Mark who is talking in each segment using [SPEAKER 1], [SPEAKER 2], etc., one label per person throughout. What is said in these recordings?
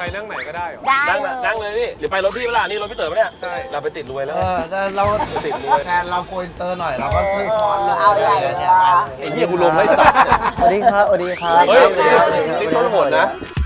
[SPEAKER 1] นั่งไหนก็ได้เหรอ
[SPEAKER 2] นั่งเลยนี่หรือไปรถพี่เวลานี่รถพี่เต๋อปะเนี่ย
[SPEAKER 1] ใช่
[SPEAKER 2] เราไปติดรวยแล้ว
[SPEAKER 3] เรา
[SPEAKER 2] ติดรวย
[SPEAKER 3] แทนเราโกอินเตอร์หน่อยเราก็ซื้อคอนเลย
[SPEAKER 4] เอาใหญ่เลย
[SPEAKER 2] ไอ้เหี้ยกูลงไล่สัตว์
[SPEAKER 5] สวัสดีครับสวัสดีครับ
[SPEAKER 2] เฮ้ยนี่ต้นโหดนะ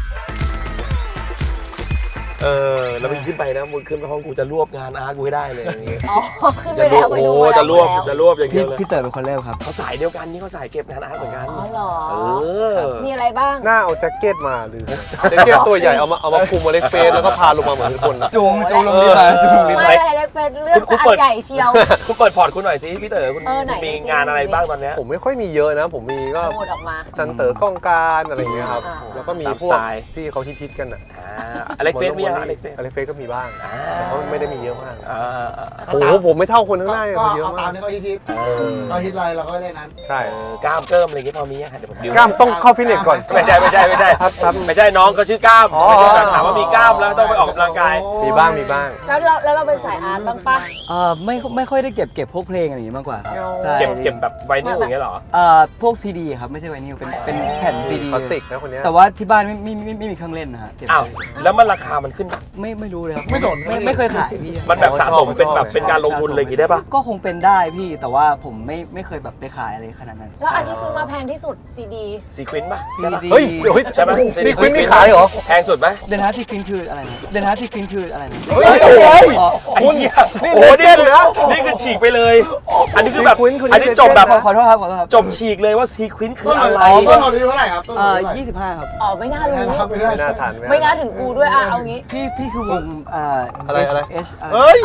[SPEAKER 2] แล้วมึงขึ้นไปนะมึงขึ้นไปห้องกูจะรวบงานอาร์ตกูให้ได้เลยอย่างเงี้ย
[SPEAKER 4] อ๋อขึ้นไป
[SPEAKER 2] จะรว
[SPEAKER 4] แล้
[SPEAKER 2] บ
[SPEAKER 4] วไป
[SPEAKER 2] โอ้
[SPEAKER 4] ดู
[SPEAKER 2] จะรวบอย่างเดียวเลย
[SPEAKER 5] พี่เต๋อเป็นคนเริ่มครับ
[SPEAKER 2] เขาสายเดียวกันนี่เขาสายเก็บงานอาร์ตเหมือนกัน
[SPEAKER 4] อ๋อเหรอ
[SPEAKER 2] อ
[SPEAKER 4] มีอะไรบ้าง
[SPEAKER 1] หน้าเอาแจ็คเก็ตมาหรือแจ็คเก็ตตัวใหญ่เอามาคุมมาเล็กเฟสแล้วก็พาลงมาเหมือนคนนะ
[SPEAKER 5] จูงลงดินมาจูงลงดิน
[SPEAKER 4] ไม่อะไรเล็กเป็นเรื่องสะอาดใหญ่เชียว
[SPEAKER 2] คุณเปิดพอร์ตคุณหน่อยสิพี่เต๋อคุณ
[SPEAKER 4] ไหน
[SPEAKER 2] มีงานอะไรบ้างตอนเนี้ย
[SPEAKER 1] ผมไม่ค่อยมีเยอะนะ ผมมีก็
[SPEAKER 4] หมดออกมา
[SPEAKER 1] ซันเต๋อกล้องการอะไรอย่างเงี้ยครับ
[SPEAKER 4] อ่า
[SPEAKER 1] แล้วก็มี
[SPEAKER 2] ตาม
[SPEAKER 1] พวก
[SPEAKER 2] สไตล์
[SPEAKER 1] ที่เขาฮิตๆกันอ่ะ
[SPEAKER 2] อเล็กเฟสมียังอเล็กเฟส
[SPEAKER 1] อเล็กเฟสก็มีบ้างแต่เขาไม่ได้มีเยอะมาก
[SPEAKER 2] โอ้
[SPEAKER 1] โอ้โหผมไม่เท่าคนข้างหน้าเลย
[SPEAKER 3] ก็
[SPEAKER 1] เขาเยอะ
[SPEAKER 3] เอาตาม
[SPEAKER 1] าม ก
[SPEAKER 3] ที่เขาฮิตเขาฮิตอะไรเราก็เล่นนั้น
[SPEAKER 1] ใช่
[SPEAKER 2] กล้ามเกิมอะไรอย่างเงี้ยพอมีเดี๋ยวผมดิว
[SPEAKER 1] กล้ามต้องเข้าฟิตเนสก่อน
[SPEAKER 2] ไม่ใช่ไม่ใช่น้องเขาชื่อกล้าม
[SPEAKER 1] อ๋อ
[SPEAKER 2] ไม่ใช่แบบถามว่ามีกล้ามแล้วต้องไปออกกำลังกาย
[SPEAKER 1] มีบ้าง
[SPEAKER 4] แล้วเราเป็นสายอาร์ตบ้างปะ
[SPEAKER 5] ไม่ค่อยได้เก็บพวกเพลงอะไรอย่างงี้มากกว่าครับใช่
[SPEAKER 2] เก็บแบบไวนิลอย่างเงี้ยเหรอ
[SPEAKER 5] พวกซีดีครับไม่ใช่ไวนิลเป็นแผ่นซีดี
[SPEAKER 1] คลาสสิกนะคนเนี้ย
[SPEAKER 5] แต่ว่าที่บ้านไม่มีเครื่องเล่นนะฮะเก็บ
[SPEAKER 2] อ้าวแล้วมันราคามันขึ้นปะ
[SPEAKER 5] ไม่รู้เลยครับ
[SPEAKER 3] ไม่สน
[SPEAKER 5] ไม่เคยขายพี่
[SPEAKER 2] มันแบบสะสมเป็นแบบเป็นการลงทุนอะไรอย่างงี้ได้ปะ
[SPEAKER 5] ก็คงเป็นได้พี่แต่ว่าผมไม่เคยแบบไปขายอะไรขนาดนั้น
[SPEAKER 4] แล้วอันที่ซื้อมาแพงที่สุดซีดี
[SPEAKER 2] ซีควินปะ
[SPEAKER 5] ซีดี
[SPEAKER 1] เฮ้ย
[SPEAKER 2] ใช่ไหม
[SPEAKER 1] นี่คุณนี่ขายเหรอ
[SPEAKER 2] แพงสุดไหม
[SPEAKER 5] เดนฮาร์ซีควินคืออะไรนะเดนฮาร์ซีควินคืออะไรนะ
[SPEAKER 1] เฮ้ยโอ้ย
[SPEAKER 5] อ๋อ
[SPEAKER 2] ไอ้เหี้ยโอ้โหนี่คือนี่คือฉีกไปเลย อันนี้คือแบบ
[SPEAKER 1] ซีควินคือ
[SPEAKER 2] อันนี้จบแบบ
[SPEAKER 5] ขอโทษครับขอโทษครับ
[SPEAKER 2] จบฉีกเลยว่าซีควินคืออะไร
[SPEAKER 3] ต้นหอมเท่าไหร่ครับต้นหอมเท่าไหร่
[SPEAKER 5] 25 ครับ
[SPEAKER 4] อ๋อไม่น่ารู้
[SPEAKER 3] ไม่ได้
[SPEAKER 1] ไม่น่าทัน
[SPEAKER 4] ไม่น่าถึงกูด้วยเอางี้
[SPEAKER 5] พี่คือวง
[SPEAKER 1] อะไร
[SPEAKER 5] H
[SPEAKER 2] เฮ้ย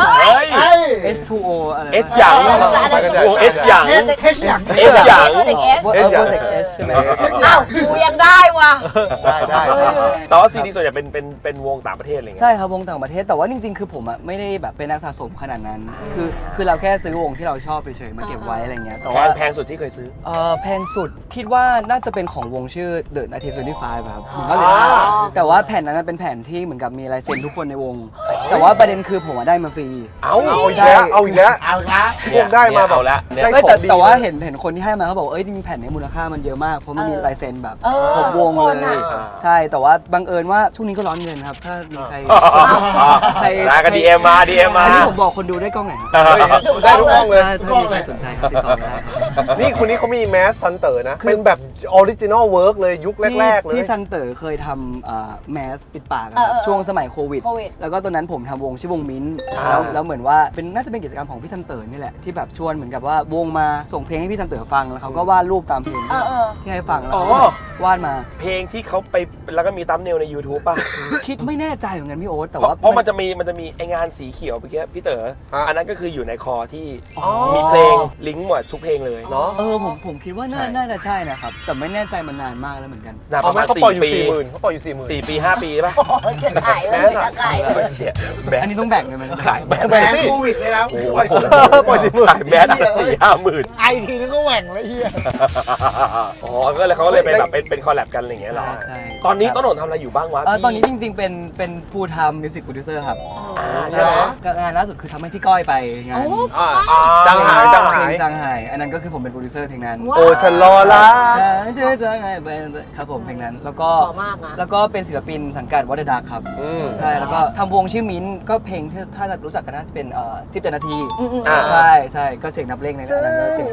[SPEAKER 5] H2O อะไร
[SPEAKER 2] เอสอย่าง วงเอสอย่าง
[SPEAKER 3] เฮอย่าง
[SPEAKER 2] เอสอย่าง
[SPEAKER 4] โปรเจกต์เอส
[SPEAKER 5] โปรเจกต์ S ใช่ไหม
[SPEAKER 4] อ้าวกูยังได้ว่ะ
[SPEAKER 1] ได้
[SPEAKER 2] แต่ว่าซีดีส่วนใหญ่เป็นวงต่างประเทศอะไรเงี้ย
[SPEAKER 5] ใช่ครับวงต่างประเทศแต่ว่าจริงๆ คือผมไม่ได้แบบเป็นนักสะสมขนาดนั้น คือเราแค่ซื้อวงที่เราชอบเฉยๆมาเก็บไว้อะไรเงี้ยแต่ว่า
[SPEAKER 2] แพงสุดที่เคยซื้อ
[SPEAKER 5] แพงสุดคิดว่าน่าจะเป็นของวงชื่อ The 1925ครับ
[SPEAKER 1] อ๋อ
[SPEAKER 5] แต่ว่าแผ่นนั้นเป็นแผ่นที่เหมือนกับมีลายเซ็นทุกคนในวง แต่ว่าประเด็นคือผมได้มาฟรี
[SPEAKER 2] เอา
[SPEAKER 1] เอาอีกแล้วเอาอีกแล้ว
[SPEAKER 3] เอาละ
[SPEAKER 1] พวกได้มาแบบ
[SPEAKER 2] แล้วเนี่ย
[SPEAKER 1] ได้
[SPEAKER 5] ไม่
[SPEAKER 1] ของดี
[SPEAKER 5] แต่ว่าเห็นคนที่ให้มาเขาบอกว่าจริงๆแผ่นนี้มูลค่ามันเยอะมากเพราะมันมีลายเซ็นแบบครบวงเลย ใช่แต่ว่าบังเอิญว่าช่วงนี้ก็ร้อนเงินครับถ้ามีใคร
[SPEAKER 2] ได้กันดีเอ็มมา
[SPEAKER 5] อันนี้ผมบอกคนดูได้กล้องไหนครับ
[SPEAKER 1] ได้ทุกห้องเลย
[SPEAKER 5] ถ้ามีใครสนใจติดต่อมาได้ครับ
[SPEAKER 1] นี่คนนี้เขามีแมสซันเต๋อนะ เป็นแบบออริจินอลเวิร์กเลยยุคแรกๆเลย
[SPEAKER 5] ที่ซันเต๋อเคยทำแมสปิดปากอะครับช่วงสมัยโควิด แล้วก็ตอนนั้นผมทำวงชื่อวงมิ้นท์แล้วเหมือนว่าน่าจะเป็นกิจกรรมของพี่ซันเต๋อนี่แหละที่แบบชวนเหมือนกับว่าวงมาส่งเพลงให้พี่ซันเต๋อฟังแล้วเขาก็วาดรูปตามเพลงที่ให้ฟังแล้วเขาก็วาดมา
[SPEAKER 2] เพลงที่เขาไปแล้วก็มีตั๊มเนลใน YouTube ป่ะ
[SPEAKER 5] คิดไม่แน่ใจเหมือนกันพี่โอ๊ตแต่
[SPEAKER 2] เพ
[SPEAKER 5] ว่า
[SPEAKER 2] ราะมันจะมีไองานสีเขียวเมื่อกี้พี่เต๋ออันนั้นก็คืออยู่ในคอที่มีเพลงลิงก์หมดทุกเพลงเลยเนาะ
[SPEAKER 5] ผมคิดว่าน่าจะใช่นะครับแต่ไม่แน่ใจมันนานมากแล้วเหมือนกัน
[SPEAKER 2] ประมาณ
[SPEAKER 1] เขาปล่อยอยู่
[SPEAKER 2] 4 ปี
[SPEAKER 1] 40,000เขาปล่อยอยู่40,000
[SPEAKER 2] 4 ปี 5 ปีป่ะ
[SPEAKER 4] จะขายเลยจะขายเลย
[SPEAKER 2] เชี่ยแบ
[SPEAKER 5] อันนี้ต้องแบ่งเลยไหม
[SPEAKER 2] ขายแบ
[SPEAKER 3] แหวนโควิดเลยนะปล่อยสุด
[SPEAKER 1] ปล่อย40,000
[SPEAKER 2] ขายแบน4-5 หมื่น
[SPEAKER 3] ไอทีนึงก็แหว่งเลยเฮีย
[SPEAKER 2] อ๋อก็เลยเขาก็เลยไปแบบเป็นคอลแลบกันอะไรอย่างเงี้ยเหรอ
[SPEAKER 5] ใช่
[SPEAKER 2] ตอนนี้ต้นหนทำอะไรอยู่บ้างวะ
[SPEAKER 5] ตอนนี้จริงๆเป็น full time music producer ครับ
[SPEAKER 2] ใช่ไหม
[SPEAKER 5] งานล่าสุดคือทำให้พี่ก้อยไปงาน
[SPEAKER 1] จังหาย
[SPEAKER 5] เพลงจางหายอันนั้นก็คือผมเป็นโปรดิวเซอร์เพลงนั้น
[SPEAKER 1] โอ้ฉันรอละ
[SPEAKER 5] เจอจางหายไปครับผมเพลงนั้นแล้วก็
[SPEAKER 4] หล่อมากนะ
[SPEAKER 5] แล้วก็เป็นศิลปินสังกัดวอเดอร์ดาครับใช่แล้วก็ทำวงชื่อมิ้นท์ก็เพลงที่ถ้าจะรู้จักกันน่าจะเป็น10 นาทีใช่ก็เสียงนับเลขในนั้นก็เป็น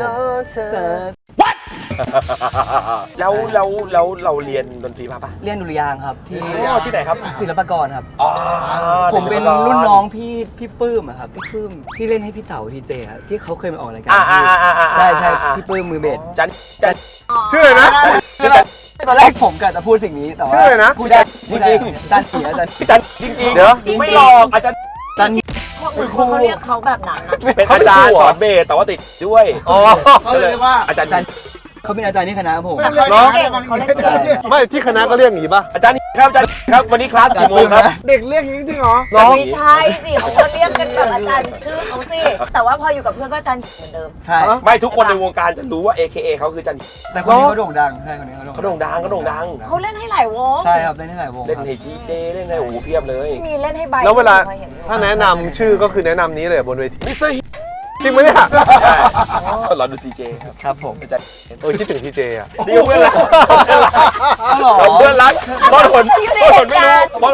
[SPEAKER 2] แล้วเราเรียนดนตรีมาปะ
[SPEAKER 5] เรียนดุริยางค์ครับที่
[SPEAKER 2] ที่ไหนครับ
[SPEAKER 5] ศิลปากรครับ
[SPEAKER 2] อ๋อ
[SPEAKER 5] ผมเป็นรุ่นน้องพี่ปื้มอะครับพี่ปื้มที่เล่นให้พี่เต๋าทีเจครับที่เขาเคยมาออกรายการใช่พี่ปื้มมือเบส
[SPEAKER 2] จัน
[SPEAKER 1] ชื่ออะไรนะ
[SPEAKER 5] ตอนแรกผมกะจะพูดสิ่งนี้แต่ว่า
[SPEAKER 1] ชื่ออะไรนะ
[SPEAKER 5] พูดได้จริงๆจันเสียจัน
[SPEAKER 2] จันจริงๆ
[SPEAKER 1] เดี๋ยว
[SPEAKER 2] ไม่หลอกอาจารย์
[SPEAKER 5] จัน
[SPEAKER 4] เขาเรียกเขาแบบนั้นนะ
[SPEAKER 2] เป็นอาจารย์สอนเบสแต่ว่าติดด้วย
[SPEAKER 1] อ๋อ
[SPEAKER 3] เขาเลยเรียกว่า
[SPEAKER 2] อาจารย์
[SPEAKER 5] เขาเป็นอาจารย์ที่คณะผม
[SPEAKER 3] ไม่เคยเก่งเขาเล่นเก่ง
[SPEAKER 1] ไม่ที่คณะก็เรียกอย่างนี้ป่ะ
[SPEAKER 2] อาจารย์ครับอาจารย์ครับวันนี้คลาสกี่โมงครับ
[SPEAKER 3] เด็กเรียกอย่างนี้จริงเหรอ
[SPEAKER 4] ไม่ใช่สิเขาก็เรียกกันแบบอาจารย์ชื่อเขาสิแต่ว่าพออยู่กับเพื่อนก็อาจารย์เหมือนเดิม
[SPEAKER 5] ใช่
[SPEAKER 2] ไม่ทุกคนในวงการจะรู้ว่า AKA เขาคือจัน
[SPEAKER 5] แต่คนนี้เขาโด่งดังใช่คนนี้เขา
[SPEAKER 2] เขาโด่งดัง
[SPEAKER 4] เขาเล่นให้หลายวง
[SPEAKER 5] ใช่ครับเล่นให้หลายวง
[SPEAKER 2] เล่นให้ดีเจเล่นให้โอ้โหเพียบเลย
[SPEAKER 4] มีเล่นให้ใบ
[SPEAKER 1] แล้วเวลา
[SPEAKER 4] คยห็นอยู่
[SPEAKER 1] ถ้าแนะนำชื่อก็คือแนะนำนี้เลยบนเวที
[SPEAKER 2] มิสเตอร์
[SPEAKER 1] จริงไหมเนี่ย
[SPEAKER 2] เราดูดีเจครับ
[SPEAKER 5] ครับผม
[SPEAKER 2] อาจารย์
[SPEAKER 1] คิดถึงทีเจอ่ะ
[SPEAKER 2] นี่เพื่อนรักเพื่อนรักบอลหนไม่รู้บอล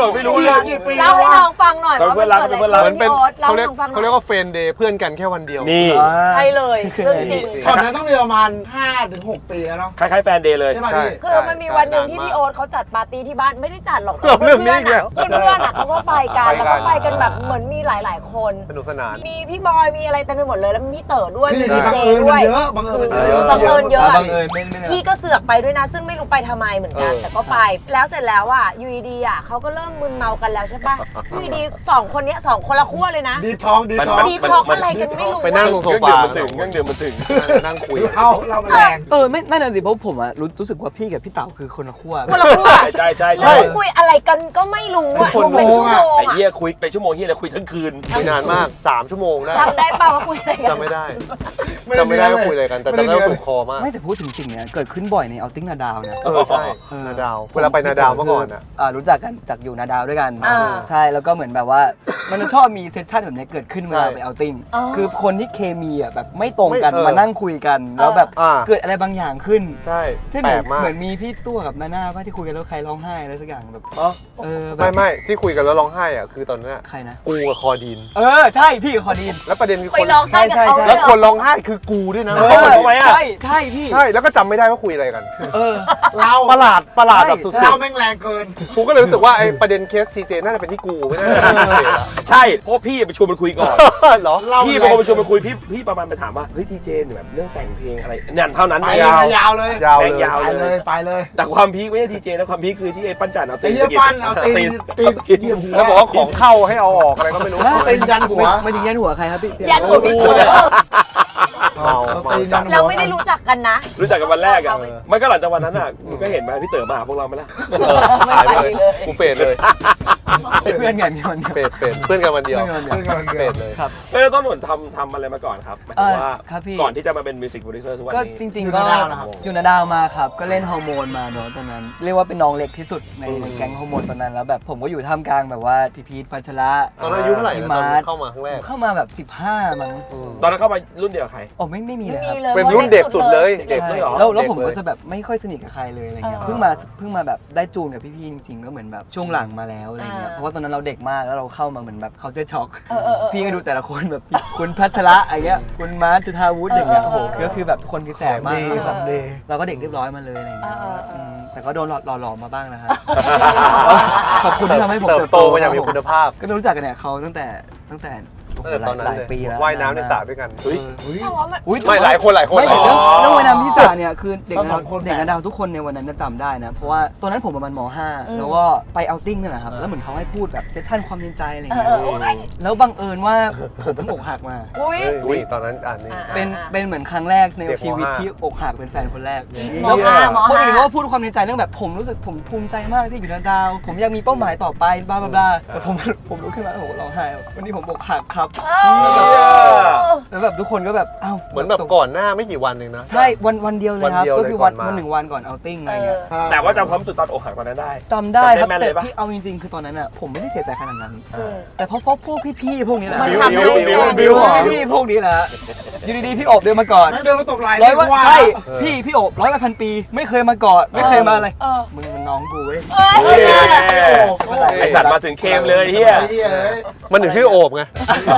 [SPEAKER 2] บอกไม่รู้เลย
[SPEAKER 3] กี่ปี
[SPEAKER 4] เล่าให้น้องฟังหน่อย
[SPEAKER 2] เป็นเพื่อนรัก
[SPEAKER 4] ว่า
[SPEAKER 2] เป็นเพื่อนรัก
[SPEAKER 1] เหมือนเป็น
[SPEAKER 4] เล่า
[SPEAKER 1] เขา
[SPEAKER 4] ให้
[SPEAKER 1] เรียก
[SPEAKER 4] น้องฟังหน่
[SPEAKER 1] เขา
[SPEAKER 4] อย
[SPEAKER 1] เรียกว่าเฟรนเดย์เพื่อนกันแค่วันเดียว
[SPEAKER 2] นี่
[SPEAKER 4] ใช่เลยเรื่องจริง
[SPEAKER 3] ช็อตนั้นต้องมีประมาณ 5-6 ปีแล้วเนาะ
[SPEAKER 2] คล้ายๆแฟนเดย์เลย
[SPEAKER 3] ใช่ไหม
[SPEAKER 1] ใช่
[SPEAKER 3] พี่
[SPEAKER 4] คือมันมีวันหนึ่งที่พี่โอ๊ตเขาจัดปาร์ตี้ที่บ้านไม่ได้จัดหรอก
[SPEAKER 1] เรื่องนี้อีกแล้ว
[SPEAKER 4] เพื่อนๆอะเขาก็ไปกันแล้วก็ไปกันแบบเหมือนมีหลายๆคน
[SPEAKER 1] สนุกสนาน
[SPEAKER 4] มีพี่บอยมีอะไรเต็มไปหมดเลยแล้วมีพี่เต๋อด้วย
[SPEAKER 3] พี่
[SPEAKER 4] มี
[SPEAKER 3] บัง
[SPEAKER 4] เจ
[SPEAKER 3] เอิญ
[SPEAKER 4] ด้
[SPEAKER 3] มั
[SPEAKER 4] วน ย
[SPEAKER 3] เยอะบังเอิญมันเยอะ
[SPEAKER 4] บังเอิญเยอะ
[SPEAKER 5] บังเอิญไม่
[SPEAKER 4] พี่ก็เสือกไปด้วยนะ ซึ่งไม่รู้ไปทำไมเหมือนกัน แต่ก็ไปแล้วเสร็จแล้วอ่ะอยู่ดีๆอ่ะเขาก็เริ่มมึนเมากันแล้วใช่ปะอยู่ดีๆสองคนเนี้ยสองคนละขั้วเลยนะ
[SPEAKER 3] ดีท้องดีท้อง
[SPEAKER 4] ดีท็อกอะไรกันไม่รู้
[SPEAKER 1] ไปนั่งตรงโซ
[SPEAKER 2] เครื่อง
[SPEAKER 1] ฟา
[SPEAKER 2] ดื่มมันถึงเครื่องดื่มมันถึง
[SPEAKER 1] นั่งคุย
[SPEAKER 3] เรามันแรง
[SPEAKER 5] ไม่นั่นน่ะสิเพราะผมอะรู้สึกว่าพี่กับพี่เต๋าคือคนละขั้ว
[SPEAKER 4] คนละขั้ว
[SPEAKER 2] ใช่ใช่
[SPEAKER 4] แล้
[SPEAKER 2] ใช่
[SPEAKER 4] วคุยอะไรกันก็ไม่รู้อ่ะ
[SPEAKER 3] เป็นชั่วโมง
[SPEAKER 4] เป็นชั่วโมง
[SPEAKER 2] ไอ้
[SPEAKER 4] อ่ะ
[SPEAKER 2] เหี้ยคุยไปชั่วโมงเหี้ยเลยคุยทั้งคืน
[SPEAKER 1] คุยนานมาก3 ชั่วโมงได้
[SPEAKER 4] จำได้ป่าวว่าคุยอะไรกัน
[SPEAKER 1] จำไม่ได้จำไม่ได้ว่าคุยอะไรกันแต่จำได้ว่าถูกคอมาก
[SPEAKER 5] ไม่แต่พูดถึงสิ่งเนี้ยเกิดขึ้นบ่อยในเอาติ้งนาดาวนะ
[SPEAKER 1] ใช่นาดาวเวลาไปนาดาวเมื่อก่อนอ่ะ
[SPEAKER 5] รู้จักกันจากอยู่นาดาวด้วยกัน
[SPEAKER 4] อ่า
[SPEAKER 5] ใช่แล้วก็เหมือนแบบว่า มันจะชอบมีเซสชั่นแบบนี้เกิดขึ้นเวลา
[SPEAKER 1] ใช่
[SPEAKER 5] ไปเอาติ้ง
[SPEAKER 4] อ๋อ
[SPEAKER 5] คือคนที่เคมีอ่ะแบบไม่ตรงกัน
[SPEAKER 1] ไม่
[SPEAKER 5] มานั่งคุยกัน แล้วแบบ
[SPEAKER 1] อ่า
[SPEAKER 5] เกิดอะไรบางอย่างขึ้น
[SPEAKER 1] ใช่
[SPEAKER 5] ใช่ไห
[SPEAKER 1] แป
[SPEAKER 5] ม
[SPEAKER 1] ลกมาก
[SPEAKER 5] เหมือนมีพี่ตัวกับนาน่าป่ะที่คุยกันแล้วใครร้องไห้อะไรสักอย่างแบบ
[SPEAKER 1] อ๋อ
[SPEAKER 5] แบบ
[SPEAKER 1] ไม่ที่คุยกันแล้วร้องไห้อ่ะคือตอนนั้นอะ
[SPEAKER 5] ใครนะ
[SPEAKER 1] กูกับคอดีน
[SPEAKER 5] ใช่พี่กับคอดีน
[SPEAKER 1] แล้วประเด็นคือ
[SPEAKER 4] ไป
[SPEAKER 1] คน
[SPEAKER 4] ลองใช่กับเขา
[SPEAKER 5] ใช่
[SPEAKER 1] แล้ว
[SPEAKER 4] เหรอ
[SPEAKER 1] คนร้องไห้คือกูด้วยนะ
[SPEAKER 2] ทำไมอะ
[SPEAKER 5] ใช่พี่
[SPEAKER 1] ใช่แล้วก็จำไม่ได้ว่าคุยอะไรกัน
[SPEAKER 3] เรา
[SPEAKER 1] ประหลาดแบบสุด
[SPEAKER 3] เราแม่งแรงเกิน
[SPEAKER 1] ๆกูก็เลยรู้สึกว่าไอ้ประเด็นเคสทีเจน่าจะเป็นที่กูไม่น่าจะเป็นที่เจละ
[SPEAKER 2] ใช่เพราะพี่ไปชวนมันคุยก่อน
[SPEAKER 1] เหรอ
[SPEAKER 2] พี่เป็นคนไปชวนมันคุยพี่ประมาณไปถามว่าเฮ้ยทีเจแบบเรื่องแต่งเพลงอะไรเนี่ยเท่านั้น
[SPEAKER 3] ไป
[SPEAKER 2] เอง
[SPEAKER 3] ยาวเลย
[SPEAKER 1] ยาว
[SPEAKER 2] แม่ง
[SPEAKER 1] เลย
[SPEAKER 2] ยาว
[SPEAKER 3] ไปเลยไปเลย
[SPEAKER 2] แต่ความพีคไม่ใช่ทีเจนะความพีคคือที่ไอ้ปั้นจันเอา
[SPEAKER 3] ไอ้
[SPEAKER 2] ตีน
[SPEAKER 3] เหี้ยปั้นเอาตีนตีนเหยียบหัว
[SPEAKER 1] แล้วบอกว่าของเข้าให้เอาออกอะไรก็ไม่รู้
[SPEAKER 3] ตีนยันหัว
[SPEAKER 5] ไม่ถึงยันหัวใครครับพี่
[SPEAKER 4] ยันหัวพี่เต๋อ
[SPEAKER 1] เมาเมา
[SPEAKER 3] ตีนยันหัว
[SPEAKER 4] เราไม่ได้รู้จักกันนะ
[SPEAKER 2] รู้จักกันวันแรกอ่ะมันก็หลังจากวันนั้นอ่ะมึงก็เห็นไหมพี่เต๋อมาหาพวกเราไหมล่ะ
[SPEAKER 1] หายไปเลยกูเฟดเลย
[SPEAKER 5] เพื่อนกันมีคนเดียว
[SPEAKER 1] เฟดเพื่อนกันวันเดียว
[SPEAKER 5] เพื่อนกันวันเดียว
[SPEAKER 1] เฟดเลย
[SPEAKER 5] ครับ
[SPEAKER 2] แล้วต้นหนุนทำอะไรมาก่อนครับหมายถึงว่า
[SPEAKER 5] ครับพี่
[SPEAKER 2] ก่อนที่จะมาเป็นมิวสิกโปรดิวเซอร์ทุกวัน
[SPEAKER 5] ก็
[SPEAKER 2] นี้
[SPEAKER 5] จริง
[SPEAKER 3] อยู่
[SPEAKER 5] ๆก็
[SPEAKER 3] นาดาวนะครับ
[SPEAKER 5] อยู่นาดาวมาครับ ก็เล่นฮอร์โมนมาเนาะตอนนั้น เรียกว่าเป็นน้องเล็กที่สุดในแก๊งฮอร์โมนตอนนั้นแล้วแบบผมก็อยู่ท่ามกลางแบบว่าพี่พีทพัชระ
[SPEAKER 1] ตอนนั้นอายุเท่าไหร่นะตอนเข้ามาครั้งแรก
[SPEAKER 5] เข้ามาแบบ15มั้ง
[SPEAKER 2] ตอนนั้นเข้ามารุ่นเดียวกับใคร
[SPEAKER 5] โอ้ไม่มี
[SPEAKER 4] ไม่
[SPEAKER 5] เลยค
[SPEAKER 4] มี
[SPEAKER 5] รับ
[SPEAKER 4] เลย
[SPEAKER 1] เป็นรุ่นเด็กสุดเลย
[SPEAKER 2] เด็ก
[SPEAKER 5] ใช่
[SPEAKER 2] เลยเหรอ
[SPEAKER 5] แล้วผม
[SPEAKER 1] เด็กเลย
[SPEAKER 5] ก็จะแบบไม่ค่อยสนิทกับใครเลยอะไรเงี้ย
[SPEAKER 4] เออ
[SPEAKER 5] เพิ่งมาแบบได้จูนกับพี่ๆจริงๆก็เหมือนแบบช่วงหลังมาแล้วอะไรเงี้ยเพราะว่าตอนนั้นเราเด็กมากแล้วเราเข้ามาเหมือนแบบเขาจะช็อก พี่ก็ดูแต่ละคนแบบคุณพัชระอะไรเงี้ยคุณมาร์ทจุธาวุฒิอย่างเงี้ยโอ้โหก็คือแบบทุกคนคือแสบมาก
[SPEAKER 3] ดีครับดี
[SPEAKER 5] เราก็เด็กเรียบร้อยมาเลยอะไรเงี้ย แต่ก็โดนหล่อๆมาบ้างนะฮะ ขอบคุณที่ทำให้ผม
[SPEAKER 1] เติบโตมาอย่างมีคุณภาพ
[SPEAKER 5] ก็รู้จักกันเนี่ยเขาตั้งแต่โอ้โห
[SPEAKER 1] ตั้งแต่ตอนนั้น
[SPEAKER 5] หลาย
[SPEAKER 1] เลย
[SPEAKER 5] ปีแล้ว
[SPEAKER 1] ว่ายน้ำในสระด้วยกัน
[SPEAKER 2] เฮ้ย
[SPEAKER 4] เพราะว่ามัน
[SPEAKER 5] อุ๊ย
[SPEAKER 1] ไม่หลายคน
[SPEAKER 5] ไม่แต่เรื่องว่ายน้ำที่สระเนี่ยคือเด็ก
[SPEAKER 3] ก็สองคน
[SPEAKER 5] เด็กนาดาวทุกคนในวันนั้นจะจำได้นะ เพราะว่าตอนนั้นผมประมาณม .5 แล้วก็ไปเอาติ้งนี่แหละครับแล้วเหมือนเขาให้พูดแบบเซสชั่นความในใจอะไรอย่างเงี้ย
[SPEAKER 4] โอ้ย
[SPEAKER 5] แล้วบังเอิญว่าผมเพิ่งอกหักมา
[SPEAKER 4] อุ้ย
[SPEAKER 1] อุ้ยตอนนั้นนี่
[SPEAKER 5] เป็นเหมือนครั้งแรกใน
[SPEAKER 1] เด็กม
[SPEAKER 5] ชีวิต
[SPEAKER 1] ห้า
[SPEAKER 5] ที่อกหักเป็นแฟนคนแรก
[SPEAKER 4] มห้าม
[SPEAKER 5] คนอื่น
[SPEAKER 4] ห้า
[SPEAKER 5] เขาก็พูดความในใจเรื่องแบบผมรู้สึกผมภูมิใจมากที่อยู่นาดาว ผมอยากมีเป้าหมายต่อไปบลาบลาบลาแต่ผมลุกขึ้นมาแล้วผมก็ร้องไห้วันนี้ผมอกหักครับแล้วแบบทุกคนก็แบบอ้าว
[SPEAKER 1] เหมือนแบบก่อนหน้าไม่กี่วันเองนะ
[SPEAKER 5] ใช่วันเดียวเลยครับ
[SPEAKER 1] วันเดียว
[SPEAKER 5] ก็คือ
[SPEAKER 1] เลยก่อนมา
[SPEAKER 5] วันหนึ่งวันก่อนเอาติ้งอะไรเงี้ย
[SPEAKER 2] แต่ว่าจำความรู้สึกตอนอกหักตอนนั้นได้
[SPEAKER 5] จำได้ครับ
[SPEAKER 2] จำได้แม่น
[SPEAKER 5] แต่
[SPEAKER 2] เลยปะ
[SPEAKER 5] พี่เอาจริงๆคือตอนนั้นอ่ะผมไม่ได้เสียใจขนาดนั้น แต่เพราะพวกพี่ๆพวกนี้แหละ
[SPEAKER 4] มัน
[SPEAKER 2] บิว
[SPEAKER 4] ทำให้
[SPEAKER 2] บิว
[SPEAKER 4] แรง
[SPEAKER 2] บิว
[SPEAKER 5] พี่ๆพวกนี้แหละอยู่ดีๆพี่โอบเดินมาก่อน
[SPEAKER 3] แม่งเดินมาตบไหล่
[SPEAKER 5] ร้อยว่า
[SPEAKER 3] ว่า
[SPEAKER 5] ใช่พี่โอบ100 ปีไม่เคยมากอดไม่เคยมาอะไร มึงมันน้องกูเว้ย
[SPEAKER 2] เฮ้ยไอสัตว์มาถึงเคมเลยเฮีย
[SPEAKER 3] ไอ้เหี้ยเอ้ย
[SPEAKER 1] มันถึงชื่อโอบไง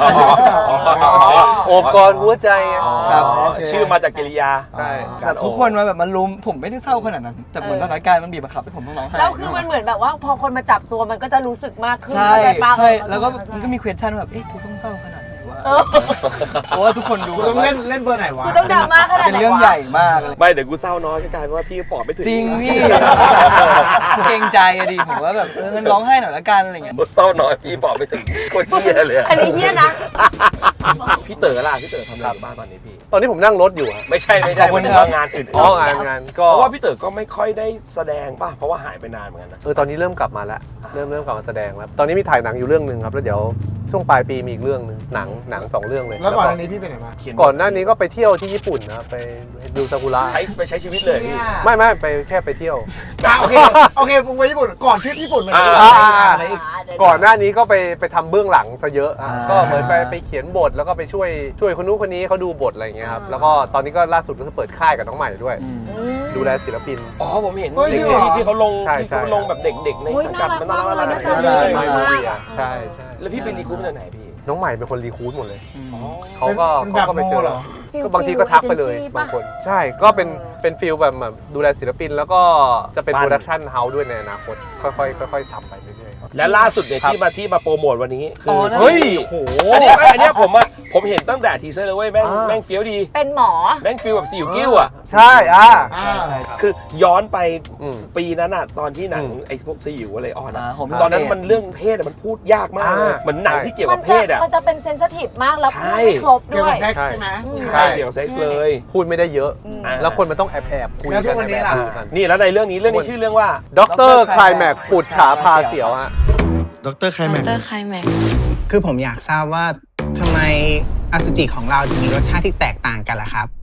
[SPEAKER 1] โอบกอดหัวใจไง
[SPEAKER 5] ครับ
[SPEAKER 2] ชื่อมาจากกิริยา
[SPEAKER 1] ใช่
[SPEAKER 5] แบบทุกคนมาแบบมันลุมผมไม่ได้เศร้าขนาดนั้น แต่เหมือนสถานการณ์มันบีบบังคับให้ผมต้องร้องไห้
[SPEAKER 4] แล้วคือมันเหมือนแบบว่าพอคนมาจับตัวมันก็จะรู้สึกมากขึ้น
[SPEAKER 5] ใช่
[SPEAKER 4] เข้าใจปะ
[SPEAKER 5] ใช่แล้วก็มันก็มี question แบบเอ๊ะกูต้องเศร้าขนาดไหนวะเพราะว่าทุกคนดู
[SPEAKER 3] กูต้องเล่นเบอร์ไหนวะ
[SPEAKER 4] กูต้องดราม่าขนาด
[SPEAKER 5] เป็น
[SPEAKER 4] ไหน
[SPEAKER 5] เรื่อง
[SPEAKER 4] วะ
[SPEAKER 5] ใหญ่มากเลย
[SPEAKER 2] ไม่เดี๋ยวกูเศร้าน้อยก็กลายเป็นว่าพี่ปอบไม่ถึง
[SPEAKER 5] จริงพี่เกรงใจอะดิผมว่าแบบงั้นร้องไห้หน่อยละกันอะไรเงี้ย
[SPEAKER 2] เศร้าน้อยพี่ปอบไม่ถึงคนเฮียเลยอะ
[SPEAKER 4] อันนี้เฮี้ยนะ
[SPEAKER 2] พี่เต๋อล่ะพี่เต๋อทำอะไรอยู่บ้างตอนนี้พี่
[SPEAKER 1] ตอนนี้ผมนั่งรถอยู่อะ
[SPEAKER 2] ไม่ใช่
[SPEAKER 5] ขอบคุณ
[SPEAKER 2] ไม่
[SPEAKER 5] ครั
[SPEAKER 2] ใช่
[SPEAKER 5] บ
[SPEAKER 2] งานอื่น
[SPEAKER 1] อ๋องานก็
[SPEAKER 2] เพราะว่าพี่เต๋อก็ไม่ค่อยได้แสดงป่ะเพราะว่าหายไปนานเหมือนกันนะ
[SPEAKER 1] ตอนนี้เริ่มกลับมาแล้วเริ่มกลับมาแสดงแล้วตอนนี้มีถ่ายหนังอยู่เรื่องนึงครับแล้วเดี๋ยวช่วงปลายปีมีอีกเรื่องนึงหนัง2 เรื่องเลย
[SPEAKER 3] แล้วก่อนอันนี้พี่ไปไหนมา
[SPEAKER 1] ก่อนหน้านี้ก็ไปเที่ยวที่ญี่ปุ่นนะครับไปดูซากุระ
[SPEAKER 2] ไปใช้ชีวิตเลยพี่
[SPEAKER 1] ไม่ไปแค่ไปเที่ยว
[SPEAKER 3] โอเคมึงไปญี่ปุ่นก่อนทริปญี่ปุ่นมัน
[SPEAKER 2] อ่า
[SPEAKER 3] อะไรอีก
[SPEAKER 4] เดี๋
[SPEAKER 1] ก่อนหน้านี้ก็ไปทำเบื้องหลังซะเยอะ
[SPEAKER 5] อ่า
[SPEAKER 1] ก็เหมือนไปเขียนบทแล้วก็ไปช่วยคนนู้นคนนี้เขาดูบทอะไรอย่างเงี้ยครับแล้วก็ตอนนี้ก็ล่าสุดก็คือเปิดค่ายกับน้องใหม่ด้วย ดูแลศิลปิน
[SPEAKER 2] อ๋อผมเห็น
[SPEAKER 3] เฮ้ย
[SPEAKER 2] เด็
[SPEAKER 3] จริงเหรอ
[SPEAKER 2] กๆที่เขาลง
[SPEAKER 1] ใช่
[SPEAKER 2] ที่เขาลงแบบเด็กๆใน
[SPEAKER 4] อุ๊ย
[SPEAKER 2] สังกัดมันน่ารัก
[SPEAKER 4] น่ารักมากเลย
[SPEAKER 2] น่ารัก
[SPEAKER 4] น่ารัก
[SPEAKER 2] มาก
[SPEAKER 1] ไม่รู้ใช่ใช่
[SPEAKER 2] แล้วพี่ไปรีคูปมาจากไหนพี่
[SPEAKER 1] น้องใหม่เป็นคนรีคูดหมดเลย
[SPEAKER 2] อ๋อ
[SPEAKER 1] เขาก็
[SPEAKER 3] เป็นแบบ
[SPEAKER 1] เขาก็ไปเจ
[SPEAKER 3] โม
[SPEAKER 1] อ
[SPEAKER 3] เหรอ
[SPEAKER 1] ก็บางทีก็ทักไปเลย
[SPEAKER 4] agency
[SPEAKER 1] บางคน
[SPEAKER 4] ปะ
[SPEAKER 1] ใช่ก็เป็นฟิลแบบดูแลศิลปินแล้วก็จะเป็น
[SPEAKER 2] ปั้น
[SPEAKER 1] โปรดักชันเฮาส์ด้วยในอนาคตค่อยๆทำไปเรื่อยๆครับ
[SPEAKER 2] และล่าสุดเนี่ย
[SPEAKER 1] ครับ
[SPEAKER 2] ที่มาโปรโมทวันนี้คื
[SPEAKER 5] อ๋
[SPEAKER 2] อ
[SPEAKER 5] อนั่น
[SPEAKER 2] เฮ้ย
[SPEAKER 1] โอ้โห
[SPEAKER 2] อันเนี้ยผมเห็นตั้งแต่ทีเซอร์เลยเว้ยแม่งเฟี้ยวดี
[SPEAKER 4] เป็นหมอ
[SPEAKER 2] แม่งฟีลแบบสิวกิ้วอ่ะ
[SPEAKER 1] ใช่
[SPEAKER 2] คือย้อนไป
[SPEAKER 1] อืม
[SPEAKER 2] ปีนั้นอ่ะตอนที่หนัง
[SPEAKER 1] อืม
[SPEAKER 2] ไอ้พวกสยิวอะไรออนอะ
[SPEAKER 5] ผม
[SPEAKER 2] ตอนนั้นมันเรื่องเพศอะมันพูดยากมากเลย
[SPEAKER 1] อ่า
[SPEAKER 2] เหมือนหนังที่เกี่ยวกับเพศอ่ะ
[SPEAKER 4] มันจะเป็นเซนซิทีฟมากแล้ว
[SPEAKER 2] ใช่
[SPEAKER 4] ไม่ครบ
[SPEAKER 3] เกี่ยว
[SPEAKER 4] ด้ว
[SPEAKER 3] กับ
[SPEAKER 4] ย
[SPEAKER 3] เซ็กซ์ใช่ไหม
[SPEAKER 2] ใช่เกี่ยวกับเซ็กซ์เลย
[SPEAKER 1] พูดไม่ได้เยอะ
[SPEAKER 2] อ่า
[SPEAKER 1] แล้วคนมันต้องแอบคุย
[SPEAKER 3] แล้วทุ
[SPEAKER 1] กั
[SPEAKER 3] กวันนี้
[SPEAKER 1] แอบ
[SPEAKER 3] ล่ะ
[SPEAKER 1] คุยกัน
[SPEAKER 2] นี่แล้วในเรื่องนี้ชื่อเรื่องว่า
[SPEAKER 1] ด็อกเตอร์คลายแม็กปุดฉาพาเสียวฮะ
[SPEAKER 3] ดรไคลแม็ก
[SPEAKER 6] ดรไคลแม็ก
[SPEAKER 7] คือผมอยากทราบว่าทำไมอสุจิของเราถึงมีรสชาติที่แตกต่างกันล่ะครับ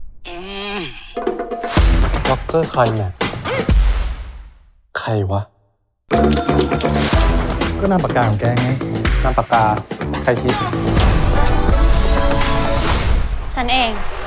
[SPEAKER 1] ด็อกเตอร์คลายแม็กใครวะ
[SPEAKER 8] ก็นามปากกาของแกไง
[SPEAKER 1] นามปากกาใครคิด
[SPEAKER 6] ฉันเอง